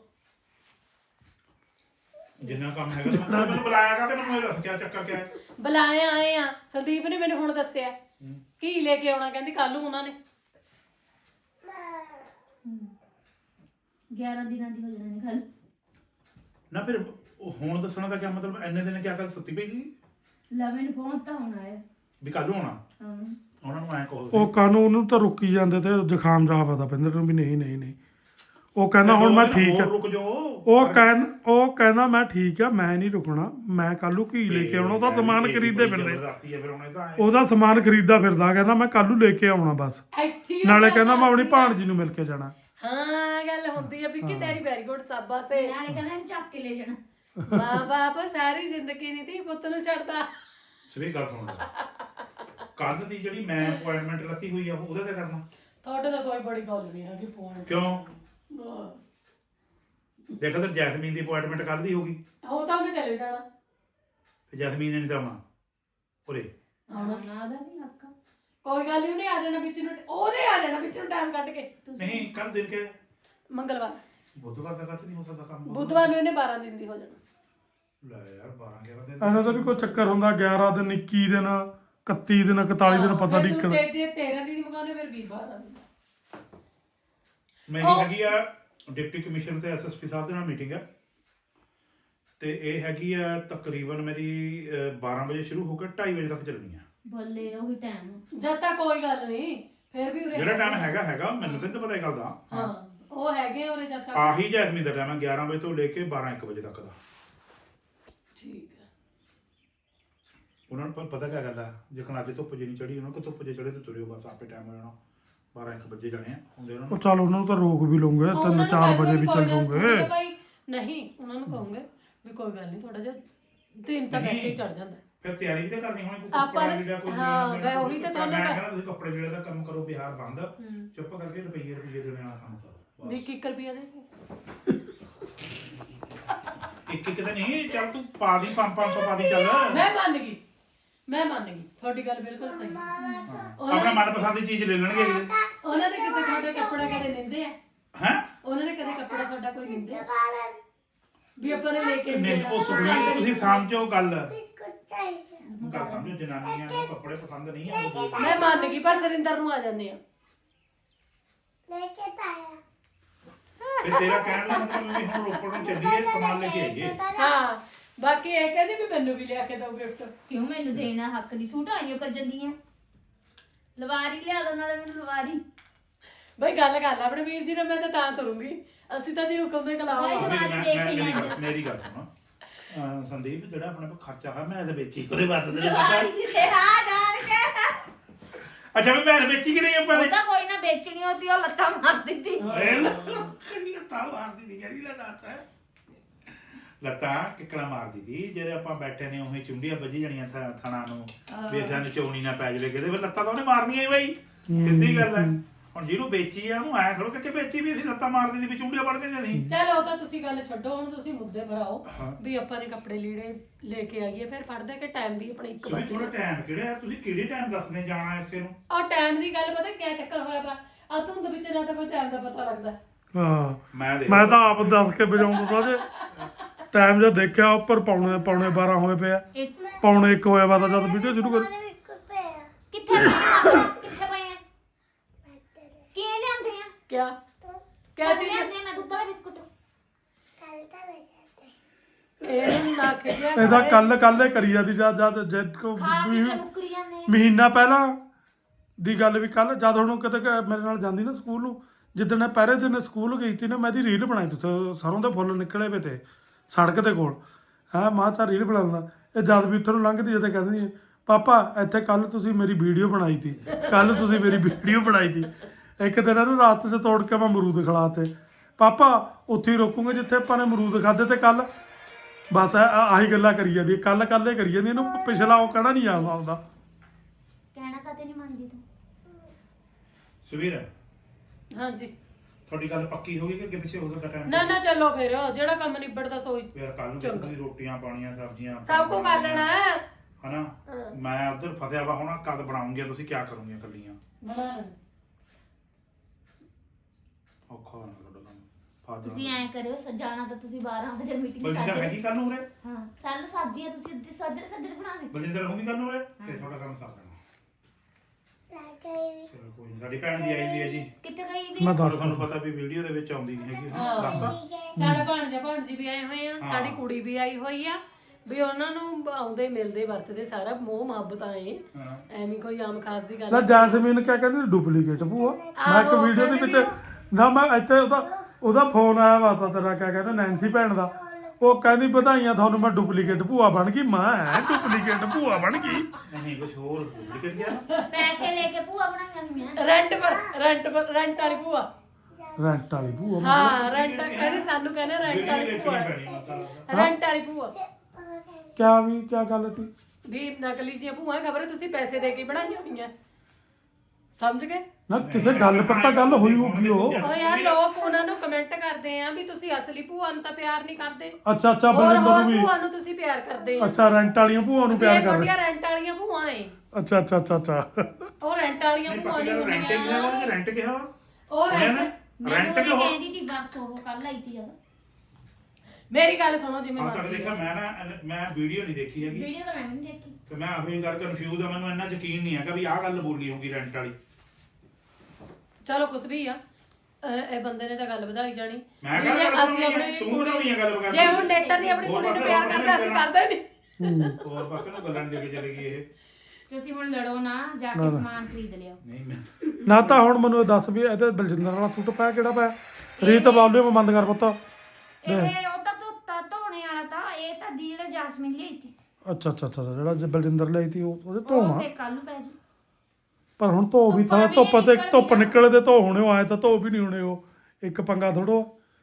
Speaker 5: ਜਿੰਨਾ ਕੰਮ ਹੈਗਾ ਤੇ ਮੈਂ ਮੈਨੂੰ ਬੁਲਾਇਆ ਕਾ ਤੇ ਮੈਨੂੰ ਇਹ ਦੱਸ ਕਿਆ ਚੱਕਰ ਕਿਆ ਹੈ
Speaker 3: ਬੁਲਾਏ ਆਏ ਆ ਸੰਦੀਪ ਨੇ ਮੈਨੂੰ ਹੁਣ ਦੱਸਿਆ ਕੀ ਲੈ ਕੇ ਆਉਣਾ ਕਹਿੰਦੀ ਕੱਲ ਨੂੰ ਉਹਨਾਂ ਨੇ
Speaker 2: ਗਿਆਰਾਂ ਦਿਨਾਂ ਦੀ ਹੋ ਜਾਣਾ ਨੇ ਕੱਲ
Speaker 5: ਨਾ ਫਿਰ ਉਹ ਹੁਣ ਦੱਸਣਾ ਦਾ ਕੀ ਮਤਲਬ ਐਨੇ ਦਿਨ ਕਿਆ ਕਰ ਸੁੱਤੀ ਪਈ ਸੀ
Speaker 2: ਲੈ ਮੈਨੂੰ ਫੋਨ ਤਾਂ ਹੋਣਾ ਹੈ
Speaker 5: ਵੀ ਕੱਲ ਨੂੰ ਆਉਣਾ
Speaker 2: ਹਾਂ
Speaker 5: ਉਹਨਾਂ ਨੂੰ ਐ ਕਹੋ
Speaker 1: ਉਹ ਕਾਨੂੰ ਉਹਨੂੰ ਤਾਂ ਰੁਕੀ ਜਾਂਦੇ ਤੇ ਜ਼ੁਕਾਮ ਜਾ ਪਤਾ ਪਿੰਦਰ ਨੂੰ ਵੀ ਨਹੀਂ ਨਹੀਂ ਨਹੀਂ ਉਹ ਕਹਿੰਦਾ ਹੁਣ ਮੈਂ ਠੀਕ ਆ
Speaker 5: ਹੋਰ ਰੁਕ ਜਾਓ
Speaker 1: ਉਹ ਕਹਿੰ ਉਹ ਕਹਿੰਦਾ ਮੈਂ ਠੀਕ ਆ ਮੈਂ ਨਹੀਂ ਰੁਕਣਾ ਮੈਂ ਕੱਲ ਨੂੰ ਘੀ ਲੈ ਕੇ ਆਉਣਾ ਉਹਦਾ ਸਮਾਨ ਖਰੀਦਦੇ ਫਿਰਦੇ
Speaker 5: ਜ਼ਬਰਦਸਤੀ ਹੈ ਫਿਰ ਉਹਨੇ ਤਾਂ ਐਂ।
Speaker 1: ਉਹਦਾ ਸਮਾਨ ਖਰੀਦਦਾ ਫਿਰਦਾ ਕਹਿੰਦਾ ਮੈਂ ਕੱਲ ਨੂੰ ਲੈ ਕੇ ਆਉਣਾ ਬਸ
Speaker 3: ਇੱਥੇ ਹੀ
Speaker 1: ਨਾਲੇ
Speaker 3: ਗੱਲ
Speaker 1: ਕਹਿੰਦਾ ਮੈਂ ਆਪਣੀ
Speaker 3: ਹੁੰਦੀ ਆ।
Speaker 1: ਭਾਣਜੀ ਨੂੰ ਮਿਲ ਕੇ ਜਾਣਾ
Speaker 3: ਹਾਂ ਗੱਲ ਹੁੰਦੀ ਆ ਵਿੱਕੀ ਤੇਰੀ ਵੈਰੀ ਗੁੱਡ ਸਾਬਾ ਸੇ
Speaker 2: ਨਾਲੇ ਕਹਿੰਦਾ ਇਹਨੂੰ ਚੱਕ ਕੇ ਲੈ ਜਾਣਾ
Speaker 3: ਮਾਂ ਬਾਪ ਸਾਰੀ ਜ਼ਿੰਦਗੀ ਨਹੀਂ ਤੀ ਪੁੱਤ ਨੂੰ ਛੱਡਦਾ
Speaker 5: ਸਵੇ ਗੱਲ ਸੁਣ ਲੈ ਕੱਲ ਦੀ ਜਿਹੜੀ ਮੈਂ ਅਪਾਇੰਟਮੈਂਟ ਲੱਤੀ ਹੋਈ ਆ ਉਹ- ਉਹਦਾ ਕੀ ਕਰਨਾ
Speaker 3: ਤੁਹਾਡੇ ਤਾਂ ਕੋਈ ਬੜੀ ਗੱਲ ਨਹੀਂ ਹੈਗੀ ਫੋਨ
Speaker 5: ਕਿਉਂ ਦੇਖੋ ਤੇ ਜੈਸਮੀਨ ਦੀ ਅਪਾਇੰਟਮੈਂਟ ਕੱਲ ਦੀ ਹੋਗੀ
Speaker 3: ਉਹ ਤਾਂ ਉਹਨੇ ਚਲੇ ਜਾਣਾ
Speaker 5: ਤੇ ਜੈਸਮੀਨ ਨੇ ਨਹੀਂ ਤਾਂ ਆਉਣਾ ਉਰੇ
Speaker 3: ਆਉਣਾ
Speaker 2: ਨਾ ਦਾ ਵੀ ਹੱਕਾ
Speaker 3: ਕੋਈ ਗੱਲ ਨਹੀਂ ਉਹਨੇ ਆ ਜਾਣਾ ਵਿੱਚ ਨੂੰ ਉਹਨੇ ਆ ਜਾਣਾ ਵਿੱਚ ਨੂੰ ਟਾਈਮ ਕੱਢ ਕੇ
Speaker 5: ਨਹੀਂ ਕੱਲ ਦਿਨ ਕੇ
Speaker 3: ਮੰਗਲਵਾਰ
Speaker 5: ਬੁੱਧਵਾਰ ਦਾ ਕੱਲ ਨਹੀਂ ਹੋ ਸਕਦਾ ਕੰਮ
Speaker 3: ਬੁੱਧਵਾਰ ਨੂੰ ਇਹਨੇ ਬਾਰਾਂ ਦਿਨ ਦੀ ਹੋ ਜਾਣਾ
Speaker 5: ਲੈ ਯਾਰ ਬਾਰਾਂ ਗਿਆਰਾਂ ਦਿਨ
Speaker 1: ਇਹਨਾਂ ਦਾ ਵੀ ਕੋਈ ਚੱਕਰ ਹੁੰਦਾ ਗਿਆਰਾਂ ਦਿਨ ਇੱਕੀ ਦਿਨ ਇਕੱਤੀ ਦਿਨ ਇਕਤਾਲੀ ਦਿਨ ਪਤਾ ਨਹੀਂ
Speaker 3: ਫਿਰ
Speaker 1: ਕਿਹੜਾ
Speaker 3: ਤੂੰ ਜੇ ਤੇਰਾਂ ਦਿਨ ਮਗਾਉਣੇ ਫਿਰ ਵੀਹ ਬਾਰਾਂ ਦਿਨ
Speaker 5: ਮੇਰੀ ਹੈਗੀ ਆ ਡਿਪਟੀ ਕਮਿਸ਼ਨਰ ਤੇ ਐਸਐਸਪੀ ਸਾਹਿਬ ਦੇ ਨਾਲ ਮੀਟਿੰਗ ਆ ਤੇ ਇਹ ਹੈਗੀ ਆ ਤਕਰੀਬਨ ਮੇਰੀ ਅਹ, ਬਾਰਾਂ ਵਜੇ ਸ਼ੁਰੂ ਹੋ ਕੇ ਢਾਈ ਵਜੇ ਤੱਕ ਚੱਲਣੀ ਆ
Speaker 2: ਬੱਲੇ ਉਹੀ ਟਾਈਮ
Speaker 3: ਜਦ ਤੱਕ ਕੋਈ ਗੱਲ ਨਹੀਂ ਫਿਰ ਵੀ ਉਰੇ
Speaker 5: ਜਿਹੜਾ ਟਾਈਮ ਹੈਗਾ ਹੈਗਾ ਮੈਨੂੰ ਤਾਂ ਨਹੀਂ ਪਤਾ ਇਹ ਗੱਲ ਦਾ
Speaker 3: ਹਾਂ ਉਹ ਹੈਗੇ ਉਰੇ ਜਦ ਤੱਕ
Speaker 5: ਆਹੀ ਜੈਸਮੀਨ ਦਾ ਟਾਈਮ ਹੈ ਗਿਆਰਾਂ ਵਜੇ ਤੋਂ ਲੈ ਕੇ ਬਾਰਾਂ ਇੱਕ ਵਜੇ ਤੱਕ ਦਾ
Speaker 3: ਠੀਕ ਹੈ
Speaker 5: ਉਹਨਾਂ ਨੂੰ ਪ- ਪਤਾ ਕਿਆ ਗੱਲ ਆ ਜੇਕਰ ਅੱਜ ਧੁੱਪ ਜੇ ਨਹੀਂ ਚੜੀ ਉਹਨਾਂ ਕੋ ਧੁੱਪ ਜੇ ਚੜੇ ਤੇ ਤੁਰਿਓ ਬਸ ਆਪੇ ਟਾਈਮ ਹੋ ਜਾਣਾ ਬਾਰਾਂ ਇੱਕ ਵਜੇ ਜਾਣੇ ਆ ਹੁੰਦੇ ਉਹਨਾਂ
Speaker 1: ਉਹ
Speaker 5: ਨੂੰ
Speaker 1: ਚੱਲ ਉਹਨਾਂ ਨੂੰ ਤਾਂ ਰੋਕ ਵੀ ਲਵਾਂਗੇ
Speaker 3: ਉਹਨਾਂ
Speaker 1: ਤਿੰਨ
Speaker 3: ਨੂੰ
Speaker 1: ਚਾਰ
Speaker 3: ਕਹਿ
Speaker 1: ਵਜੇ
Speaker 3: ਦਿਓ
Speaker 1: ਵੀ
Speaker 3: ਕੋਈ
Speaker 1: ਚੱਲ
Speaker 3: ਗੱਲ
Speaker 1: ਜਾਵਾਂਗੇ
Speaker 3: ਥੋੜ੍ਹਾ ਭਾਈ ਨਹੀਂ ਉਹਨਾਂ ਨੂੰ ਕਹੋਗੇ ਵੀ ਕੋਈ ਗੱਲ ਨਹੀਂ ਥੋੜਾ ਜਿਹਾ ਦਿਨ ਤਾਂ ਵੈਸੇ ਹੀ ਚੜ ਜਾਂਦਾ
Speaker 5: ਫਿਰ ਤਿਆਰੀ ਵੀ ਤਾਂ ਕਰਨੀ ਹੋਣੀ ਕੋਈ
Speaker 3: ਆਪਾਂ
Speaker 5: ਕੱਪੜਾ
Speaker 3: ਨੇ-
Speaker 5: ਜਿਹੜਾ ਕੋਈ
Speaker 3: ਹਾਂ,
Speaker 5: ਲੈਣਾ
Speaker 3: ਮੈਂ
Speaker 5: ਦੇਣਾ,
Speaker 3: ਉਹੀ ਤਾਂ
Speaker 5: ਕੋਈ-
Speaker 3: ਤੁਹਾਨੂੰ
Speaker 5: ਮੈਂ
Speaker 3: ਕਹਿ-
Speaker 5: ਕਹਿੰਦਾ ਤੁਸੀਂ ਕੱਪੜੇ ਜਿਹੜੇ ਦਾ ਕੰਮ ਕਰੋ ਬਿਹਾਰ ਬੰਦ ਚੁੱਪ ਕਰਕੇ ਰੁਪਈਏ ਰੁਪਈਏ ਦੇਣ ਵਾਲਾ ਕੰਮ ਕਰੋ ਬਸ।
Speaker 3: ਵੀ ਇੱਕ ਰੁਪਿਆ ਦੇ
Speaker 5: ਇੱਕ ਇੱਕ ਤਾਂ ਨਹੀਂ ਚੱਲ ਤੂੰ ਪਾ ਦੀ ਪੰਜ ਪੰਜ ਸੌ ਪਾ ਦੀ ਚੱਲ
Speaker 3: ਮੈਂ ਮੰਨ ਗਈ ਮੈਂ ਮੰਨ ਗਈ ਤੁਹਾਡੀ ਗੱਲ ਬਿਲਕੁਲ ਸਹੀ
Speaker 5: ਆਪਣਾ ਮਨਪਸੰਦ ਦੀ ਚੀਜ਼ ਲੈ ਲੈਣਗੇ ਅਗਲੇ
Speaker 3: ਉਹਨਾਂ ਨੇ ਕਿਤੇ ਤੁਹਾਡੇ ਕੱਪੜਾ ਕਦੇ ਲੈਂਦੇ ਆ
Speaker 5: ਹੈ
Speaker 3: ਉਹਨਾਂ ਨੇ ਕਦੇ ਕੱਪੜਾ ਤੁਹਾਡਾ ਕੋਈ ਲੈਂਦੇ ਆ ਵੀ ਆਪਾਂ ਨੇ ਲੈ ਕੇ
Speaker 5: ਨਿੰਦ ਕੋ ਸੁਣੀ ਤੁਸੀਂ ਸਮਝੋ ਗੱਲ
Speaker 4: ਬਿਸਕੁਟ ਚਾਹੀਏ
Speaker 5: ਗੱਲ ਸਮਝੋ ਜਨਾਨੀਆਂ ਨੂੰ ਕੱਪੜੇ ਪਸੰਦ ਨਹੀਂ ਆਉਂਦੇ
Speaker 3: ਮੈਂ ਮੰਨ ਗਈ ਪਰ ਸਰਿੰਦਰ ਨੂੰ ਆ ਜਾਂਦੇ ਆ
Speaker 4: ਲੈ ਕੇ ਤਾਇਆ
Speaker 5: ਤੇ ਤੇਰਾ ਕਹਿਣ ਦਾ ਮਤਲਬ ਵੀ ਹੁਣ ਰੋਪੜ ਨੂੰ ਚੱਲੀਏ ਸਮਾਨ ਲੈ ਕੇ ਆਈਏ
Speaker 3: ਹਾਂ ਬਾਕੀ ਇਹ ਕਹਿੰਦੇ ਵੀ ਮੈਨੂੰ ਵੀ ਲਿਆ ਕੇ ਦਿਓ ਗਿਫਟ
Speaker 2: ਕਿਉਂ ਮੈਨੂੰ ਦੇਣਾ ਹੱਕ ਦੀ ਸੂਟ ਆਈਓ ਕਰ ਜਾਂਦੀਆਂ ਲਵਾਰੀ ਲਿਆ ਦੋ ਨਾਲੇ ਮੈਨੂੰ ਲਵਾਰੀ
Speaker 3: ਬਈ ਗੱਲ ਕਰ ਲੈ ਆਪਣੇ ਵੀਰ ਜੀ ਨਾਲ ਮੈਂ ਤਾਂ ਤਾਂ ਤੁਰੂੰਗੀ ਅਸੀਂ ਤਾਂ ਜੀ ਹੁਕਮ ਦੇ ਖਿਲਾਫ
Speaker 2: ਹਾਏ।
Speaker 3: ਆ।
Speaker 5: ਮੇਰੀ-
Speaker 2: ਮੈਂ
Speaker 5: ਮੈਂ-
Speaker 2: ਦੇਖ
Speaker 5: ਮੈਂ-
Speaker 2: ਲਈ
Speaker 5: ਮੇਰੀ
Speaker 2: ਅੱਜ।
Speaker 5: ਗੱਲ- ਮੇਰੀ ਗੱਲ ਸੁਣੋ ਅਹ ਸੰਦੀਪ ਜਿਹੜਾ ਆਪਣੇ ਕੋਲ ਖਰਚਾ ਹੋਇਆ ਮੈਂ ਇਹਦੇ ਵੇਚੀ ਉਹਦੇ ਬਾਅਦ ਤੈਨੂੰ
Speaker 2: ਲਵਾਰੀ
Speaker 5: ਪਤਾ
Speaker 2: ਤੇ ਆ ਜਾਣ ਕੇ
Speaker 5: ਅੱਛਾ ਵੀ ਮੈਂ ਵੇਚੀ ਕਿ ਨਹੀਂ ਆਪਾਂ
Speaker 2: ਉਹ
Speaker 5: ਨੇ
Speaker 2: ਤਾਂ ਕੋਈ ਨਾ ਵੇਚਣੀ ਹੁੰਦੀ ਉਹ ਲੱਤਾਂ ਮਾਰ ਦਿੱਤੀ
Speaker 5: ਕਿੰਨੀ ਲੱਤਾਂ ਮਾਰਦੀ ਦੀ ਕਹਿੰਦੀ ਲੱਤਾਂ ਲੱਤਾਂ ਕਿੱਕਰਾਂ ਮਾਰਦੀ ਦੀ ਜਿਹੜੇ ਆਪਾਂ ਬੈਠੇ ਨੇ ਉਹੀ ਚੁੰਡੀਆਂ ਵੱਜੀ ਜਾਣੀਆਂ ਥ- ਥਣਾ ਨੂੰ ਵੇਚਾਂ ਨੂੰ ਚੌਣੀ ਨਾ ਪੈ ਜਵੇ ਕਿਤੇ ਫਿਰ ਲੱਤਾਂ ਤਾਂ ਉਹਨੇ ਮਾਰਨੀਆਂ ਹੀ ਬਈ ਸਿੱਧੀ ਗੱਲ ਹੈ ਹੁਣ ਜਿਹਨੂੰ ਵੇਚੀ ਆ ਉਹਨੂੰ ਐ ਥੋੜਾ ਕਿ ਵੇਚੀ ਵੀ ਅਸੀਂ ਲੱਤਾਂ ਮਾਰਦੀ ਦੀ ਵੀ ਚੁੰਡੀਆਂ ਵੜ ਦਿੰਦੇ ਨਹੀਂ
Speaker 3: ਚੱਲ ਉਹ ਤਾਂ ਤੁਸੀਂ ਗੱਲ ਛੱਡੋ ਹੁਣ ਤੁਸੀਂ ਮੁੱਦੇ ਪਰ ਆਓ ਵੀ ਆਪਾਂ ਨੇ ਕੱਪੜੇ ਲੀੜੇ ਲੈ ਕੇ ਆਈਏ ਫਿਰ ਪੜਦੇ ਕਿ ਟਾਈਮ ਵੀ ਆਪਣਾ ਇੱਕ
Speaker 5: ਤੁਸੀਂ
Speaker 3: ਵਜੇ
Speaker 5: ਥੋੜਾ ਟਾਈਮ ਕਿਹੜਾ ਯਾਰ ਤੁਸੀਂ ਕਿਹੜੇ ਟਾਈਮ ਦੱਸਦੇ ਜਾਣਾ ਇੱਥੇ ਨੂੰ
Speaker 3: ਔਰ ਟਾਈਮ ਦੀ ਗੱਲ ਪਤਾ ਕਿਆ ਚੱਕਰ ਹੋਇਆ ਪਿਆ ਆ ਧੁੰਦ ਵਿੱਚ ਨਾ ਤਾਂ ਕੋਈ ਟਾਈਮ ਦਾ ਪਤਾ ਲੱਗਦਾ
Speaker 1: ਹਾਂ
Speaker 5: ਮੈਂ ਦੇਖ
Speaker 1: ਮੈਂ ਤਾਂ ਆਪ ਦੱਸ ਕੇ ਵਜਾਉਂਦਾ ਸਾਜੇ ਟਾਈਮ ਜਦ ਦੇਖਿਆ ਉੱਪਰ ਪੌਣੇ ਪੌਣੇ ਬਾਰਾਂ ਹੋਏ ਪਿਆ
Speaker 2: ਇੱਕ
Speaker 1: ਪੌਣੇ ਇੱਕ ਹੋਇਆ ਵਾ ਤਾਂ ਜਦ ਵੀਡੀਓ ਸ਼ੁਰੂ ਕਰ
Speaker 4: ਵਾਲੇ ਇੱਕ ਪਿਆ
Speaker 2: ਕਿੱਥੇ ਪਏ ਆ? ਕਿੱਥੇ ਪਏ ਆ ਕੀ ਲਿਆਂਦੇ ਆ
Speaker 3: ਕਿਆ ਕਿਆ
Speaker 2: ਕੱਲ
Speaker 3: ਚੀਜ਼
Speaker 2: ਲਿਆਂਦੇ ਆ ਮੈਂ ਦੁੱਧ ਵਾਲੇ ਬਿਸਕੁਟ
Speaker 4: ਕੱਲ ਤਾਂ ਲੈ ਜਾਂਦੇ
Speaker 3: ਇਹਨੂੰ ਨਾ ਖਿਜਿਆ
Speaker 1: ਇਹਦਾ ਕੱਲ ਕੱਲੇ ਕਰੀ ਜਾਂਦੀ ਜਦ ਜਦ ਜਦ ਕੋ
Speaker 2: ਖਾ ਪੀ ਕੇ ਮੁੱਕਰੀ ਜਾਂਦੇ ਆ।
Speaker 1: ਮਹੀਨਾ ਪਹਿਲਾਂ ਦੀ ਗੱਲ ਵੀ ਕੱਲ ਜਦ ਹੁਣ ਕਿਤੇ ਕ- ਮੇਰੇ ਨਾਲ ਜਾਂਦੀ ਨਾ ਸਕੂਲ ਨੂੰ ਜਿੱਦਣ ਇਹ ਪਹਿਲੇ ਦਿਨ ਸਕੂਲ ਗਈ ਸੀ ਨਾ ਮੈਂ ਦੀ ਰੀਲ ਬਣਾਈ ਤੇ ਸਰੋਂ ਦੇ ਫੁੱਲ ਨਿਕਲੇ ਵੇ ਤੇ ਸੜਕ ਦੇ ਕੋਲ ਹਾਂ ਮਾਂ ਤਾਂ ਰੀਲ ਬਣਾਉਂਦਾ ਇਹ ਜਦ ਵੀ ਉੱਥੋਂ ਨੂੰ ਲੰਘਦੀ ਹੈ ਤੇ ਕਹਿੰਦੀ ਹੈ, ਪਾਪਾ ਇੱਥੇ ਕੱਲ ਤੁਸੀਂ ਮੇਰੀ ਵੀਡੀਓ ਬਣਾਈ ਸੀ ਕੱਲ ਤੁਸੀਂ ਮੇਰੀ ਵੀਡੀਓ ਬਣਾਈ ਸੀ ਇੱਕ ਦਿਨ ਇਹਨੂੰ ਰਾਤ 'ਚ ਤੋੜ ਕੇ ਮੈਂ ਅਮਰੂਦ ਖਿਲਾਤੇ ਪਾਪਾ ਉੱਥੇ ਹੀ ਰੋਕੂਗੇ ਜਿੱਥੇ ਆਪਾਂ ਨੇ ਅਮਰੂਦ ਖਾਦੇ ਤੇ ਕੱਲ ਬਸ ਆ- ਆ- ਆਹੀ ਗੱਲਾਂ ਕਰੀ ਜਾਂਦੀ ਕੱਲ ਕੱਲੇ ਕਰੀ ਜਾਂਦੀ ਇਹਨੂੰ ਪਿਛਲਾ ਉਹ ਕਹਿਣਾ ਨਹੀਂ ਆਉਂਦਾ ਆਉਂਦਾ
Speaker 2: ਕਹਿਣਾ ਕਾਤੇ ਨਹੀਂ ਮੰਨਦੀ ਤੂੰ
Speaker 5: ਸੁਵੀਰ
Speaker 3: ਹਾਂਜੀ
Speaker 5: ਤੁਹਾਡੀ ਗੱਲ ਪੱਕੀ ਹੋ ਗਈ ਕਿ ਅੱਗੇ ਪਿੱਛੇ ਹੋ ਸਕਦਾ ਟਾਈਮ
Speaker 3: ਨਾ ਨਾ ਚਲੋ ਫਿਰ ਜਿਹੜਾ ਕੰਮ ਨਿਬੜਦਾ ਸੋਈ
Speaker 5: ਯਾਰ ਕੱਲ ਨੂੰ
Speaker 3: ਚੰਗਾ।
Speaker 5: ਤੁਸੀਂ ਰੋਟੀਆਂ ਪਾਣੀਆਂ ਸਬਜ਼ੀਆਂ
Speaker 3: ਸਭ ਕੁਝ ਕਰ ਲੈਣਾ ਹੈ।
Speaker 5: ਹਨਾ ਮੈਂ ਉਧਰ ਫਸਿਆ ਵਾ ਹੁਣ ਕਦ ਬਣਾਉਂਗੇ ਤੁਸੀਂ ਕੀ ਕਰੋਗੇ ਕੱਲੀਆਂ
Speaker 3: ਬਣਾ ਲੈਣਾ।
Speaker 5: ਔਖਾ ਹੋਣਾ ਤੁਹਾਡਾ ਕੰਮ ਫਾਦਰ
Speaker 2: ਤੁਸੀਂ ਐਂ ਕਰਿਓ ਸਜਾਣਾ ਤਾਂ ਤੁਸੀਂ ਬਾਰਾਂ ਵਜੇ ਮੀਟਿੰਗ
Speaker 5: ਬਲਜਿੰਦਰ
Speaker 2: ਸਾਡੇ
Speaker 5: ਹੈਗੀ ਕੱਲ ਨੂੰ ਉਰੇ
Speaker 2: ਹਾਂ ਸਾਨੂੰ ਸਬਜ਼ੀਆਂ ਤੁਸੀਂ ਸੱਜਰ ਸੱਜਰ ਬਣਾ ਦੇ
Speaker 5: ਬਲਜਿੰਦਰ ਰਹੂਗੀ ਕੱਲ ਨੂੰ ਉਰੇ ਤੇ ਤੁਹਾਡਾ ਕੰਮ ਸਰ ਦੇਣਾ
Speaker 4: ਲਾਗੇ
Speaker 5: ਚਲੋ ਕੋਈ ਨੀ ਸਾਡੀ ਭੈਣ ਦੀ ਆਈ ਦੀ ਹੈ ਜੀ
Speaker 2: ਕਿੱਥੇ ਗਈ ਵੀ
Speaker 1: ਮੈਂ
Speaker 5: ਪਰ
Speaker 1: ਦੱਸ
Speaker 5: ਤੁਹਾਨੂੰ ਪਤਾ ਵੀ ਵੀਡੀਓ ਦੇ ਵਿੱਚ ਆਉਂਦੀ ਨਹੀਂ ਹੈਗੀ
Speaker 3: ਹਾਂ।
Speaker 5: ਦੱਸਤਾ
Speaker 3: ਸਾਡਾ ਭਾਣਜਾ ਭਾਣਜੀ ਵੀ ਆਏ ਹੋਏ ਆ
Speaker 5: ਹਾਂ।
Speaker 3: ਸਾਡੀ ਕੁੜੀ ਵੀ ਆਈ ਹੋਈ ਆ ਵੀ ਉਹਨਾਂ ਨੂੰ ਆਉਂਦੇ ਮਿਲਦੇ ਵਰਤਦੇ ਸਾਰਾ ਮੋਹ ਮੁਹੱਬਤ ਆਏ
Speaker 5: ਹਾਂ
Speaker 3: ਐਵੇਂ ਕੋਈ ਆਮ ਖਾਸ ਦੀ ਗੱਲ
Speaker 1: ਨਾ
Speaker 3: ਨਹੀਂ।
Speaker 1: ਜੈਸਮੀਨ ਕਿਆ ਕਹਿੰਦੀ ਡੁਪਲੀਕੇਟ ਭੂਆ ਮੈਂ ਇੱਕ
Speaker 3: ਆਹੋ,
Speaker 1: ਵੀਡੀਓ ਦੇ ਵਿੱਚ ਨਾ ਮੈਂ ਇੱਥੇ ਉਹਦਾ ਉਹਦਾ ਫੋਨ ਆਇਆ ਵਾ ਤਾਂ ਤੇਰਾ ਕਿਆ ਕਹਿੰਦਾ ਨੈਂਸੀ ਭੈਣ ਦਾ ਉਹ ਕਹਿੰਦੀ ਵਧਾਈਆਂ ਤੁਹਾਨੂੰ ਮੈਂ ਡੁਪਲੀਕੇਟ ਭੂਆ ਬਣ ਗਈ ਮੈਂ ਹੈ ਡੁਪਲੀਕੇਟ ਭੂਆ ਬਣ ਗਈ
Speaker 5: ਨਹੀਂ ਕੁਝ ਹੋਰ ਨਿਕਲ ਗਿਆ ਨਾ
Speaker 2: ਪੈਸੇ ਲੈ ਕੇ ਭੂਆ ਬਣਾਈਆਂ ਹੋਈਆਂ
Speaker 3: ਰੈਂਟ ਪਰ ਰੈਂਟ ਪਰ ਰੈਂਟ ਵਾਲੀ ਭੂਆ
Speaker 1: ਰੈਂਟ ਵਾਲੀ ਭੂਆ
Speaker 3: ਹਾਂ ਰੈਂਟ ਕਹਿੰਦੇ ਸਾਨੂੰ ਕਹਿੰਦੇ ਰੈਂਟ
Speaker 5: ਵੀਡੀਓ
Speaker 3: ਵਾਲੀ ਭੂਆ
Speaker 5: ਦੇਖਣੀ ਪੈਣੀ ਮਤਲਬ
Speaker 3: ਰੈਂਟ ਵਾਲੀ ਭੂਆ
Speaker 1: ਕਿਆ ਵੀ ਕਿਆ ਗੱਲ ਸੀ
Speaker 3: ਵੀ ਨਕਲੀ ਜੀਆਂ ਭੂਆ ਖਬਰ ਤੁਸੀਂ ਪੈਸੇ ਦੇ ਕੇ ਬਣਾਈਆਂ ਹੋਈਆਂ ਸਮਝ ਗਏ
Speaker 1: ਨਾ ਕਿਸੇ ਗੱਲ ਪਰ ਤਾਂ ਗੱਲ ਹੋਈ ਹੋਊਗੀ ਉਹ
Speaker 3: ਉਹ ਯਾਰ ਲੋਕ ਉਹਨਾਂ ਨੂੰ ਕਮੈਂਟ ਕਰਦੇ ਆ ਵੀ ਤੁਸੀਂ ਅਸਲੀ ਭੂਆ ਨੂੰ ਤਾਂ ਪਿਆਰ ਨਹੀਂ ਕਰਦੇ
Speaker 1: ਅੱਛਾ ਅੱਛਾ
Speaker 3: ਹੋਰ
Speaker 1: ਬਲਜਿੰਦਰ
Speaker 3: ਹੋਰ
Speaker 1: ਨੂੰ ਵੀ
Speaker 3: ਭੂਆ ਨੂੰ ਤੁਸੀਂ ਪਿਆਰ ਕਰਦੇ ਆ
Speaker 1: ਅੱਛਾ ਰੈਂਟ ਵਾਲੀਆਂ ਭੂਆ ਨੂੰ ਪਿਆਰ
Speaker 3: ਇਹ
Speaker 1: ਕਰਦੇ
Speaker 3: ਤੁਹਾਡੀਆਂ ਰੈਂਟ ਵਾਲੀਆਂ ਭੂਆ ਏ
Speaker 1: ਅੱਛਾ ਅੱਛਾ ਅੱਛਾ ਅੱਛਾ
Speaker 3: ਉਹ ਰੈਂਟ ਵਾਲੀਆਂ
Speaker 5: ਨਹੀਂ
Speaker 3: ਭੂਆ
Speaker 5: ਪੱਕੀ
Speaker 3: ਨਹੀਂ
Speaker 5: ਗੱਲ ਰੈਂਟ ਕਿਹਾ ਵਾ
Speaker 3: ਹੁੰਦੀਆਂ
Speaker 5: ਰੈਂਟ ਕਿਹਾ ਵਾ
Speaker 3: ਉਹ ਰੈਂਟ
Speaker 5: ਰੈਂਟ
Speaker 2: ਮੈਨੂੰ
Speaker 5: ਕਿਹਾ
Speaker 2: ਉਹਨੇ ਕਹਿੰਦੀ ਸੀ ਬਸ ਉਹ ਕੱਲ ਆਈ ਸੀ ਜਦ
Speaker 3: ਮੇਰੀ ਗੱਲ ਸੁਣੋ ਜਿਵੇਂ
Speaker 5: ਅੱਜ ਤੱਕ
Speaker 3: ਮਰਜ਼ੀ
Speaker 5: ਦੇਖਿਆ ਮੈਂ ਨਾ ਮੈਂ ਵੀਡੀਓ ਨਹੀਂ ਦੇਖੀ ਹੈਗੀ
Speaker 2: ਵੀਡੀਓ ਤਾਂ ਮੈਂ ਵੀ ਨਹੀਂ ਦੇਖੀ
Speaker 5: ਤੇ ਮੈਂ ਉਹੀ ਗੱਲ ਕਨਫਿਊਜ਼ ਆ ਮੈਨੂੰ ਇੰਨਾ ਯਕੀਨ ਨਹੀਂ ਹੈਗਾ ਵੀ ਆਹ ਗੱਲ ਬੋਲੀ ਹੋਊਗੀ ਰੈਂਟ ਵਾਲੀ
Speaker 3: ਚਲੋ ਕੁਛ ਵੀ ਆ ਅਹ ਇਹ ਬੰਦੇ ਨੇ ਤਾਂ ਗੱਲ ਵਧਾਈ ਜਾਣੀ
Speaker 5: ਮੈਂ
Speaker 3: ਵੀ
Speaker 5: ਕਿਹਾ
Speaker 3: ਜੇ
Speaker 5: ਗੱਲ
Speaker 3: ਅਸੀਂ
Speaker 5: ਬਣਾਉਣੀ
Speaker 3: ਆਪਣੀ
Speaker 5: ਆ, ਤੂੰ ਬਣਾਉਣੀ ਆ ਗੱਲ ਵਗੈਰਾ
Speaker 3: ਜੇ ਹੁਣ ਨੇਤਰ ਨਹੀਂ ਆਪਣੀ
Speaker 5: ਹੋਰ
Speaker 3: ਕੁੜੀ ਨੂੰ
Speaker 5: ਪਾਸੇ
Speaker 3: ਪਿਆਰ
Speaker 5: ਹੋਰ
Speaker 3: ਕਰਦਾ ਅਸੀਂ
Speaker 5: ਪਾਸੇ
Speaker 3: ਕਰਦੇ ਨਹੀਂ
Speaker 5: ਹੋਰ ਪਾਸੇ ਨੂੰ ਗੱਲਾਂ ਲੈ ਕੇ ਚਲੇ ਗਈ ਇਹ
Speaker 2: ਤੁਸੀਂ ਹੁਣ ਲੜੋ ਨਾ ਜਾ ਕੇ ਸਮਾਨ ਖਰੀਦ ਲਿਓ
Speaker 5: ਨਹੀਂ ਮੈਂ
Speaker 1: ਨਾ ਤਾਂ ਹੁਣ ਮੈਨੂੰ ਇਹ ਦੱਸ ਵੀ ਇਹਦੇ ਬਲਜਿੰਦਰ ਵਾਲਾ ਸੂਟ ਪਾਇਆ ਕਿਹੜਾ ਪਾਇਆ ਰੀਤ ਵਾਲਿਓ ਬੰਦ ਕਰ ਪੁੱਤ
Speaker 2: ਇਹ ਉਹ ਤਾਂ ਧੋਤਾ ਧੋਣੇ ਵਾਲਾ ਤਾਂ ਇਹ ਤਾਂ ਦੀ ਜਿਹੜਾ ਜਾਸਮੀਨ ਲਈ ਸੀ
Speaker 1: ਅੱਛਾ ਅੱਛਾ ਅੱਛਾ ਜਿਹੜਾ ਜੇ ਬਲਜਿੰਦਰ ਲਈ ਤੀ ਉਹ ਉਹਦੇ
Speaker 2: ਉਹ
Speaker 1: ਧੋਣਾ
Speaker 2: ਫੇ ਕੱਲ ਨੂੰ ਪੈ ਜੂ
Speaker 1: ਪਰ ਹੁਣ ਧੋ ਵੀ ਥਾ ਧੁੱਪ ਤੇ ਧੁੱਪ ਨਿਕਲੇ ਤੇ ਧੋ ਹੋਣੇ ਆਏ ਤਾਂ ਧੋ ਵੀ ਨਹੀਂ ਹੋਣੇ ਉਹ ਇੱਕ ਪੰਗਾ ਥੋੜੋ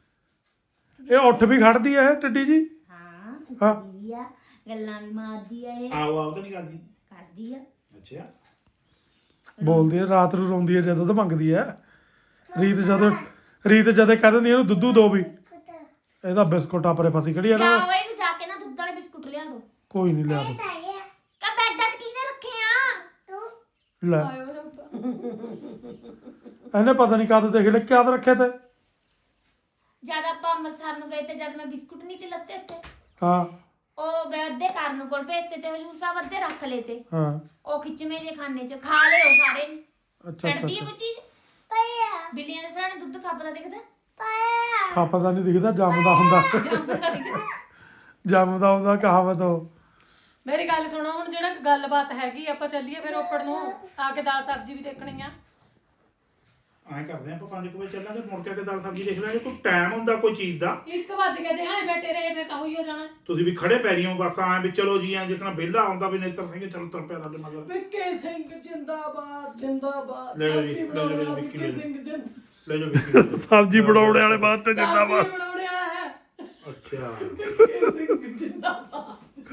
Speaker 1: ਇਹ ਉੱਠ ਵੀ ਖੜਦੀ ਐ ਇਹ ਟੱਡੀ ਜੀ
Speaker 2: ਹਾਂ
Speaker 1: ਹਾਂ।
Speaker 2: ਉੱਠਦੀ ਆ ਗੱਲਾਂ ਵੀ ਮਾਰਦੀ ਆ ਇਹ
Speaker 5: ਆਓ ਆਓ ਤਾਂ ਨਹੀਂ ਕਰਦੀ
Speaker 2: ਕਰਦੀ ਆ
Speaker 5: ਅੱਛਾ
Speaker 1: ਬੋਲਦੀ ਐ ਰਾਤ ਨੂੰ ਰੋਂਦੀ ਐ ਜਦੋਂ ਤਾਂ ਮੰਗਦੀ ਐ ਰੀਤ ਜਦੋਂ ਰੀਤ ਜਦੇ ਕਹਿ ਦਿੰਦੀ ਇਹਨੂੰ ਦੁੱਧੂ ਦੋ ਵੀ ਇਹਦਾ ਬਿਸਕੁਟ ਆਪਰੇ ਫਸੀ ਖੜੀ ਐ ਨਾ
Speaker 2: ਜਾਓ ਇਹਨੂੰ ਜਾ ਕੇ ਨਾ ਦੁੱਧ ਵਾਲੇ ਬਿਸਕੁਟ ਲਿਆ ਦੋ
Speaker 1: ਕੋਈ ਨਹੀਂ ਲਿਆ ਦੋ
Speaker 4: ਤਾਇਆ
Speaker 2: ਕਾ ਬੈਡਾਂ 'ਚ ਕਿਹਨੇ ਰੱਖੇ ਆ
Speaker 4: ਤੂੰ
Speaker 1: ਲੈ
Speaker 2: ਆਇਓ ਰੱਬਾ
Speaker 1: ਇਹਨੇ ਪਤਾ ਨਹੀਂ ਕਦ ਦੇਖ ਲਿਆ ਕਿਆ ਤਾਂ ਰੱਖਿਆ ਤੇ
Speaker 2: ਜਦ ਆਪਾਂ ਅੰਮ੍ਰਿਤਸਰ ਨੂੰ ਗਏ ਤੇ ਜਦ ਮੈਂ ਬਿਸਕੁਟ ਨਹੀਂ ਤੇ ਲੱਤੇ ਉੱਤੇ
Speaker 1: ਹਾਂ
Speaker 2: ਉਹ ਮੈਂ ਅੱਧੇ ਕਰਨ ਨੂੰ ਕੋਲ ਭੇਜਤੇ ਤੇ ਹਜੂਰ ਸਾਹਿਬ ਅੱਧੇ ਰੱਖ ਲਏ ਤੇ
Speaker 1: ਹਾਂ
Speaker 2: ਉਹ ਖਿੱਚਵੇਂ ਜੇ ਖਾਨੇ 'ਚ ਖਾ ਲਿਓ ਸਾਰੇ ਨੇ
Speaker 1: ਅੱਛਾ ਅੱਛਾ
Speaker 2: ਛੱਡਦੀ ਹੈ ਕੋਈ ਚੀਜ਼
Speaker 4: ਪਾਇਆ
Speaker 2: ਬਿੱਲੀਆਂ ਦੇ ਸਾਹਣੇ ਦੁੱਧ ਖੱਪਦਾ ਦਿਖਦਾ
Speaker 4: ਪਾਇਆ
Speaker 1: ਖਾਪਾ ਨਹੀਂ ਦਿਖਦਾ ਜੰਮਦਾ ਹੁੰਦਾ
Speaker 2: ਜੰਮਦਾ ਦਿਖਦਾ
Speaker 1: ਜੰਮਦਾ ਹੁੰਦਾ ਕਹਾਵਤ ਉਹ
Speaker 3: ਮੇਰੀ ਗੱਲ ਸੁਣੋ ਹੁਣ ਜਿਹੜਾ ਗੱਲਬਾਤ ਹੈਗੀ ਆਪਾਂ ਚੱਲੀਏ ਫਿਰ ਉੱਪਰ ਨੂੰ ਆ ਕੇ ਦਾਲ ਸਬਜ਼ੀ ਵੀ ਦੇਖਣੀ ਆ
Speaker 5: ਐਂ ਕਰਦੇ ਆਪਾਂ ਪੰਜ ਕੁ ਵਜੇ ਚੱਲਾਂਗੇ ਮੁੜ ਕੇ ਆ ਕੇ ਦਾਲ ਸਬਜ਼ੀ ਦੇਖ ਲਾਂਗੇ ਕੋਈ ਟਾਈਮ ਹੁੰਦਾ ਕੋਈ ਚੀਜ਼ ਦਾ
Speaker 3: ਇੱਕ ਵੱਜ ਗਿਆ ਜੇ ਹਾਂ ਬੈਠੇ ਰਹੇ ਫਿਰ ਤਾਂ ਹੋਈ ਹੋ ਜਾਣਾ
Speaker 5: ਤੁਸੀਂ ਵੀ ਖੜੇ ਪੈਰੀਓ ਬਸ ਐਂ ਵੀ ਚਲੋ ਜੀ ਐਂ ਜਿੱਕਣਾ ਵਿਹਲਾ ਆਉਂਦਾ ਵੀ ਨੇਤਰ ਸਿੰਘ ਚਲ ਤੁਰ ਪਿਆ ਸਾਡੇ ਮਗਰ
Speaker 3: ਵਿੱਕੇ ਸਿੰਘ ਜਿੰਦਾਬਾਦ ਜਿੰਦਾਬਾਦ
Speaker 5: ਲੈ ਲਓ ਜੀ,
Speaker 3: ਸਬਜ਼ੀ
Speaker 5: ਲੈ ਲਓ ਜੀ,
Speaker 3: ਬਣਾਉਣ ਵਾਲਾ
Speaker 5: ਵਿੱਕੀ
Speaker 3: ਵਿੱਕੇ
Speaker 5: ਲੈ ਲਓ।
Speaker 3: ਸਿੰਘ ਜਿੰਦ
Speaker 5: ਲੈ ਜਾਓ ਵਿੱਕੀ
Speaker 1: ਸਬਜ਼ੀ ਬਣਾਉਣ ਵਾਲੇ ਬਾਅਦ ਤੇ
Speaker 3: ਸਬਜ਼ੀ
Speaker 1: ਜਿੰਦਾਬਾਦ
Speaker 3: ਬਣਾਉਣ ਵਾਲਾ ਹੈ
Speaker 5: ਅੱਛਾ
Speaker 3: ਵਿੱਕੇ ਸਿੰਘ ਜਿੰਦਾਬਾਦ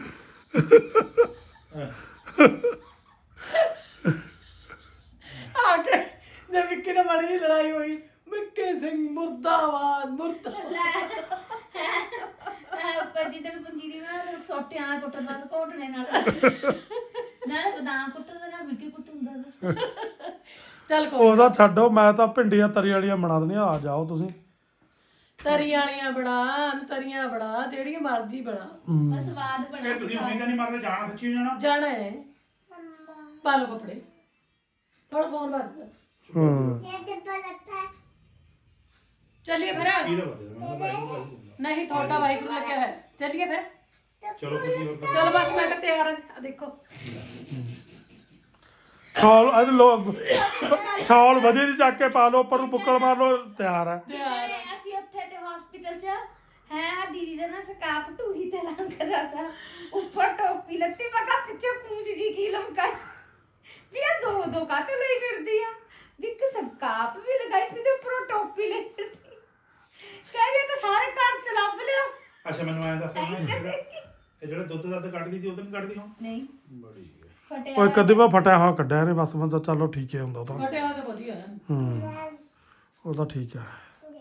Speaker 3: ਆ ਕੇ ਜੇ ਵਿੱਕੇ ਨਾਲ ਮਾੜੀ ਜਿਹੀ ਲੜਾਈ ਹੋਈ ਵਿੱਕੇ ਸਿੰਘ ਮੁਰਦਾਬਾਦ ਮੁਰਦਾਬਾਦ
Speaker 2: ਉੱਪਰ ਜਿੱਦਣ ਪੰਜੀਰੀ ਬਣਾ ਤੇ ਸੋਟਿਆਂ ਨਾਲ ਕੁੱਟਦਾ ਤੇ ਘੋਟਣੇ ਨਾਲ ਨਾਲੇ ਬਦਾਮ ਕੁੱਟਦਾ ਨਾਲ ਵਿੱਕੀ ਕੁੱਟਦਾ
Speaker 3: ਚੱਲ ਕੋਈ
Speaker 1: ਉਹਦਾ ਛੱਡੋ ਮੈਂ ਤਾਂ ਭਿੰਡੀਆਂ ਤਰੀ ਵਾਲੀਆਂ ਬਣਾ ਦਿੰਦੀਆਂ ਆ ਜਾਓ ਤੁਸੀਂ
Speaker 3: ਤਰੀਆਂ ਵਾਲੀਆਂ ਬਣਾ ਤਰੀਆਂ ਬਣਾ ਜਿਹੜੀਆਂ ਮਰਜ਼ੀ ਬਣਾ
Speaker 2: ਬਸ ਸਵਾਦ ਬਣਾ
Speaker 5: ਇਹ ਤੁਸੀਂ ਉਮੀਦ ਨਹੀਂ ਮਰਦੇ ਜਾਣਾ ਸੱਚੀ ਜਾਣਾ
Speaker 3: ਜਾਣਾ ਹੈ ਪਾ ਲਓ ਕੱਪੜੇ ਥੋੜਾ ਫੋਨ ਵੱਜਦਾ
Speaker 1: ਹੂੰ
Speaker 4: ਇਹ ਡੱਬਾ ਲੱਗਦਾ ਹੈ
Speaker 3: ਚੱਲੀਏ ਫਿਰ
Speaker 5: ਕਿਹਦਾ ਵੱਜਦਾ ਮੈਂ ਤਾਂ ਬਾਈ ਨੂੰ ਗੱਲ ਕਰੂੰਗਾ।
Speaker 3: ਨਹੀਂ ਤੁਹਾਡਾ ਵਾਈਫ ਲੱਗਿਆ ਹੈ ਚੱਲੀਏ ਫਿਰ
Speaker 5: ਚਲੋ ਫਿਰ ਕੀ ਹੋਰ ਕਰਨਾ?
Speaker 3: ਚਲੋ ਬਸ ਮੈਂ ਤਾਂ ਤਿਆਰ ਹਾਂ ਆਹ ਦੇਖੋ
Speaker 1: ਛਾਲ ਅਜ ਲੋ ਛਾਲ ਵਧੀਆ ਦੀ ਚੱਕ ਕੇ ਪਾ ਲਓ ਉੱਪਰ ਨੂੰ ਬੁੱਕਲ ਮਾਰ ਲਓ ਤਿਆਰ ਹੈ
Speaker 3: ਤਿਆਰ
Speaker 2: ਤੇ ਅਸੀਂ ਉੱਥੇ ਤੇ ਹਸਪੀਟਲ 'ਚ ਹੈ ਦੀਦੀ ਦਾ ਨਾ ਸਕਾਪ ਟੂਹੀ ਤੇ ਲੰਘਦਾ ਤਾ ਉੱਪਰ ਟੋਪੀ ਲੱਤੀ ਮੈਂ ਕਿਹਾ ਪਿੱਛੇ ਪੂੰਛ ਜੀ ਕੀ ਲਮਕਾਈ ਵੀ ਆ ਦੋ ਦੋ ਕਾਤੇ ਲਈ ਫਿਰਦੀ ਆ ਵੀ ਇੱਕ ਸਕਾਪ ਵੀ ਲਗਾਈ ਫਿਰ ਤੇ ਉੱਪਰੋਂ ਟੋਪੀ ਲੈ ਫਿਰਦੀ ਕਹਿੰਦੇ ਤਾਂ ਸਾਰੇ ਘਰ ਚ ਲੱਭ ਲਿਓ
Speaker 5: ਅੱਛਾ ਮੈਨੂੰ ਐਂ ਦੱਸ ਇਹ ਜਿਹੜਾ ਇਹ ਜਿਹੜਾ ਦੁੱਧ ਦੱਧ ਕੱਢਦੀ ਸੀ ਉਹ ਤਾਂ ਨਹੀਂ ਕੱਢਦੀ ਹੁਣ
Speaker 2: ਨਹੀਂ
Speaker 5: ਬੜੀ ਹੈ।
Speaker 2: ਫਟਿਆ
Speaker 1: ਓਏ ਕਦੇ ਵਾ ਫਟਿਆ ਹੋਇਆ ਕੱਢਿਆ ਨੇ ਬਸ ਬੰਦਾ ਚਲੋ ਠੀਕ ਹੈ ਹੁੰਦਾ ਤਾਂ
Speaker 3: ਫਟਿਆ ਤਾਂ ਵਧੀਆ ਹੈ
Speaker 1: ਹੂੰ ਉਹ ਤਾਂ ਠੀਕ ਹੈ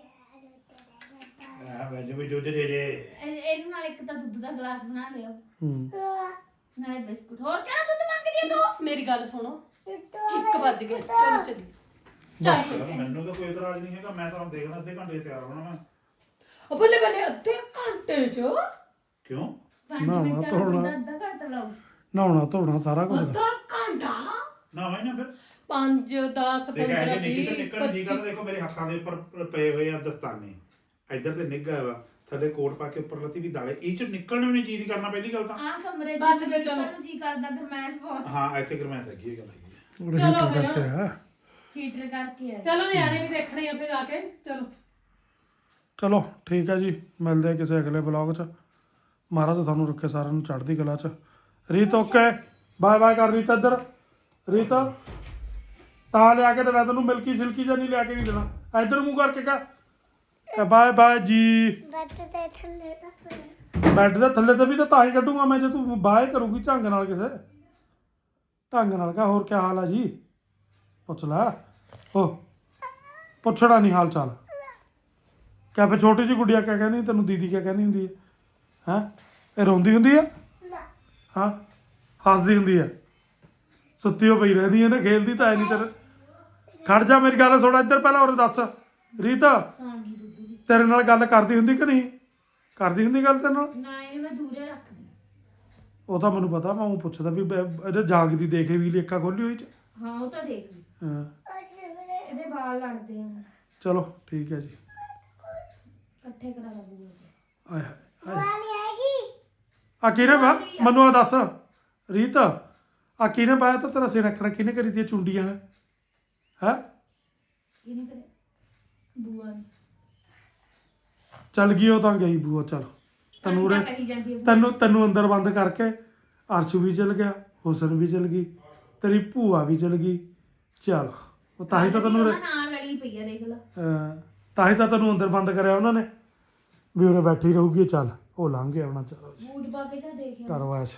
Speaker 5: ਮੈਂ ਮੈਨੂੰ ਵੀ ਦੁੱਧ ਦੇ ਦੇ
Speaker 2: ਇਹ- ਇਹਨੂੰ ਨਾਲ ਇੱਕ ਤਾਂ ਦੁੱਧ ਦਾ ਗਲਾਸ ਬਣਾ ਲਿਓ
Speaker 1: ਹੂੰ
Speaker 2: ਨਾਲੇ ਬਿਸਕੁਟ ਹੋਰ ਕਿਹੜਾ ਦੁੱਧ ਮੰਗਦੀ ਹੈ ਤੂੰ
Speaker 3: ਮੇਰੀ ਗੱਲ ਸੁਣੋ ਇੱਕ ਵੱਜ ਗਿਆ ਚਲੋ ਚੱਲੀ ਚੱਲ
Speaker 5: ਮੈਨੂੰ ਤਾਂ ਕੋਈ ਇਤਰਾਜ਼ ਨਹੀਂ ਹੈਗਾ ਮੈਂ ਤਾਂ ਹੁਣ ਦੇਖਦਾ ਅੱਧੇ ਘੰਟੇ 'ਚ ਤਿਆਰ ਹੋਣਾ ਮੈਂ
Speaker 3: ਉਹ ਬੱਲੇ ਬੱਲੇ ਅੱਧੇ ਘੰਟੇ ਚ
Speaker 5: ਕਿਉਂ
Speaker 2: ਪੰਜ
Speaker 1: ਨਾ,
Speaker 2: ਮਿੰਟਾਂ
Speaker 1: ਧੋਣਾ।
Speaker 2: ਨੂੰ ਦੁੱਧ ਅੱਧਾ ਘੰਟਾ ਲਾਓ
Speaker 1: ਨਹਾਉਣਾ ਧੋਣਾ ਸਾਰਾ ਕੁਝ
Speaker 3: ਅੱਧਾ ਘੰਟਾ
Speaker 5: ਨਾ ਮੈਂ ਨਾ ਫਿਰ
Speaker 3: ਪੰਜ ਦਸ
Speaker 5: ਦੇਖ ਇਹ
Speaker 3: ਪੰਦਰਾਂ
Speaker 5: ਨਿੱਕੀ ਤੇ
Speaker 3: ਵੀਹ
Speaker 5: ਨਿਕਲਣ ਦੀ ਗੱਲ ਦੇਖੋ ਮੇਰੇ ਹੱਥਾਂ ਦੇ ਉੱਪਰ ਪਏ ਹੋਏ ਆ ਦਸਤਾਨੇ ਇੱਧਰ ਤੇ ਨਿੱਘਾ ਵਾ ਥੱਲੇ ਕੋਟ ਪਾ ਕੇ ਉੱਪਰ ਲੱਸੀ ਵੀ ਦਾਲੇ ਇਹ ਚ ਨਿਕਲਣ ਵੀ ਨਹੀਂ ਜੀ ਨਹੀਂ ਕਰਨਾ ਪਹਿਲੀ ਗੱਲ ਤਾਂ
Speaker 2: ਆਹ ਕਮਰੇ ਚ
Speaker 3: ਬਸ ਫਿਰ ਚਲੋ।
Speaker 2: ਨੂੰ ਜੀ ਕਰਦਾ ਗਰਮੈਸ਼ ਬਹੁਤ
Speaker 5: ਹਾਂ ਇੱਥੇ ਗਰਮੈਸ਼ ਹੈਗੀ ਇਹ ਗੱਲ ਹੈਗੀ ਹੈ।
Speaker 1: ਉਹ
Speaker 3: ਚਲੋ
Speaker 1: ਹੀਟਰ
Speaker 3: ਫਿਰ।
Speaker 1: ਕਰਕੇ ਆ
Speaker 2: ਹੀਟਰ ਕਰਕੇ ਆ
Speaker 3: ਚਲੋ ਨਿਆਣੇ ਵੀ ਦੇਖਣੇ ਆ ਫਿਰ ਆ ਕੇ ਚਲੋ
Speaker 1: ਚਲੋ ਠੀਕ ਹੈ ਜੀ ਮਿਲਦੇ ਆ ਕਿਸੇ ਅਗਲੇ ਬਲੌਗ 'ਚ ਮਹਾਰਾਜ ਤੁਹਾਨੂੰ ਰੱਖੇ ਸਾਰਿਆਂ ਨੂੰ ਚੜ੍ਹਦੀ ਕਲਾ 'ਚ ਰੀਤ ਓਕੇ ਬਾਏ ਬਾਏ ਕਰ ਰੀਤ ਇੱਧਰ ਰੀਤ ਤਾਂ ਲਿਆ ਕੇ ਦੇਣਾ ਤੈਨੂੰ ਮਿਲਕੀ ਸਿਲਕੀ ਜਾਂ ਨਹੀਂ ਲਿਆ ਕੇ ਨਹੀਂ ਦੇਣਾ ਇੱਧਰ ਮੂੰਹ ਕਰਕੇ ਕਹ ਬਾਏ ਬਾਏ ਜੀ
Speaker 4: ਬੱਤ ਤੇ ਥੱਲੇ ਦਾ ਪਿਆ
Speaker 1: ਬੈੱਡ ਦੇ ਥੱਲੇ ਤੇ ਵੀ ਤਾਂ ਤਾਂ ਹੀ ਕੱਢੂਗਾ ਮੈਂ ਜੇ ਤੂੰ ਬਾਏ ਕਰੂਗੀ ਢੰਗ ਨਾਲ ਕਿਸੇ ਢੰਗ ਨਾਲ ਕਹ ਹੋਰ ਕੀ ਹਾਲ ਆ ਜੀ ਪੁੱਛ ਲੈ ਓ ਪੁੱਛਣਾ ਨਹੀਂ ਹਾਲ ਚਾਲ ਕਿਆ ਫਿਰ ਛੋਟੀ ਜਿਹੀ ਗੁੱਡੀਆ ਕਿਆ ਕਹਿੰਦੀ ਤੈਨੂੰ ਦੀਦੀ ਕਿਆ ਕਹਿੰਦੀ ਹੁੰਦੀ ਹੈ ਹੈਂ ਇਹ ਰੋਂਦੀ ਹੁੰਦੀ ਆ
Speaker 4: ਨਾ
Speaker 1: ਹਾਂ ਹੱਸਦੀ ਹੁੰਦੀ ਆ ਸੁੱਤੀ ਹੋ ਪਈ ਰਹਿੰਦੀ ਹੈ ਨਾ ਖੇਲਦੀ ਤਾਂ ਹੈ ਨਹੀਂ ਤੇਰੇ ਖੜ ਜਾ ਮੇਰੀ ਗੱਲ ਸੁਣ ਇੱਧਰ ਪਹਿਲਾਂ ਹੋਰ ਦੱਸ ਰੀਤ
Speaker 2: ਸੌਂਗੀ ਦੁੱਧ ਦੀ
Speaker 1: ਤੇਰੇ ਨਾਲ ਗੱਲ ਕਰਦੀ ਹੁੰਦੀ ਕਿ ਨਹੀਂ ਕਰਦੀ ਹੁੰਦੀ ਗੱਲ ਤੇਰੇ ਨਾਲ
Speaker 2: ਨਾ ਇਹਨੂੰ ਮੈਂ ਦੂਰੇ ਰੱਖਦੀ
Speaker 1: ਉਹ ਤਾਂ ਮੈਨੂੰ ਪਤਾ ਮੈਂ ਉਹ ਪੁੱਛਦਾ ਵੀ ਬ- ਇਹਦੇ ਜਾਗਦੀ ਦੇਖੇ ਵੀ ਲੇਖਾ ਖੋਲੀ ਹੋਈ ਚ
Speaker 2: ਹਾਂ ਉਹ ਤਾਂ ਦੇਖ ਲਈ
Speaker 1: ਹਾਂ
Speaker 4: ਅੱਜ ਮੇਰੇ
Speaker 2: ਇਹਦੇ ਵਾਲ ਲੜਦੇ ਆ
Speaker 1: ਚਲੋ ਠੀਕ ਹੈ ਜੀ
Speaker 2: ਇਕੱਠੇ ਕਰਾ ਲਾ ਬੂਆ
Speaker 1: ਆਏ ਹਾਏ।
Speaker 4: ਵਾਲੀ ਆਏਗੀ
Speaker 1: ਆ ਕਿਹਨੇ ਬਾ ਮੈਨੂੰ ਆ ਦੱਸ ਰੀਤ ਆ ਕਿਹਨੇ ਬਾਇਆ ਤਾਂ ਤੇਰਾ ਸਿਰ ਰੱਖਣਾ ਕਿਹਨੇ ਕਰੀ ਦੀਆਂ ਚੁੰਡੀਆਂ ਹੈ ਹੈ
Speaker 2: ਇਹਨੇ ਕਰੇ ਬੂਆ ਨੇ।
Speaker 1: ਚੱਲ ਗਈ ਉਹ ਤਾਂ ਗਈ ਬੂਆ ਚੱਲ ਤੈਨੂੰ
Speaker 2: ਤਾਂ
Speaker 1: ਉਰੇ
Speaker 2: ਕਹੀ ਜਾਂਦੀ ਹੈ ਬੂਆ।
Speaker 1: ਤੈਨੂੰ ਤੈਨੂੰ ਅੰਦਰ ਬੰਦ ਕਰਕੇ ਅਰਸ਼ ਵੀ ਚਲ ਗਿਆ ਹੁਸਨ ਵੀ ਚਲ ਗਈ ਤੇਰੀ ਭੂਆ ਵੀ ਚਲ ਗਈ ਚੱਲ ਉਹ ਤਾਂ ਹੀ ਤਾਂ ਤੈਨੂੰ ਉਰੇ-
Speaker 2: ਉਹਨਾਂ ਨਾਲ ਲੜੀ ਪਈ ਆ ਦੇਖ ਲਾ
Speaker 1: ਅਹ ਤਾਂ ਹੀ ਤਾਂ ਤੈਨੂੰ ਅੰਦਰ ਬੰਦ ਕਰਿਆ ਉਹਨਾਂ ਨੇ ਵੀ ਉਰੇ ਬੈਠੀ ਰਹੂਗੀ ਚੱਲ ਉਹ ਲੰਘ ਗਿਆ ਉਹਨਾਂ ਚਲੋ
Speaker 2: ਬੂਟ ਪਾ ਕੇ ਜਾ ਦੇਖਿਆ
Speaker 1: ਕਰਵਾਸ਼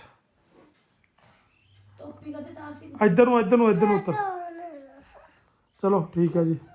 Speaker 2: ਟੋਪੀ ਕਦੇ ਤਾਰਤੀ
Speaker 1: ਇੱਧਰ ਨੂੰ ਇੱਧਰ ਨੂੰ ਇੱਧਰ ਨੂੰ ਉੱਤਰ
Speaker 4: ਹੁਣ
Speaker 1: ਚਲੋ ਠੀਕ ਹੈ ਜੀ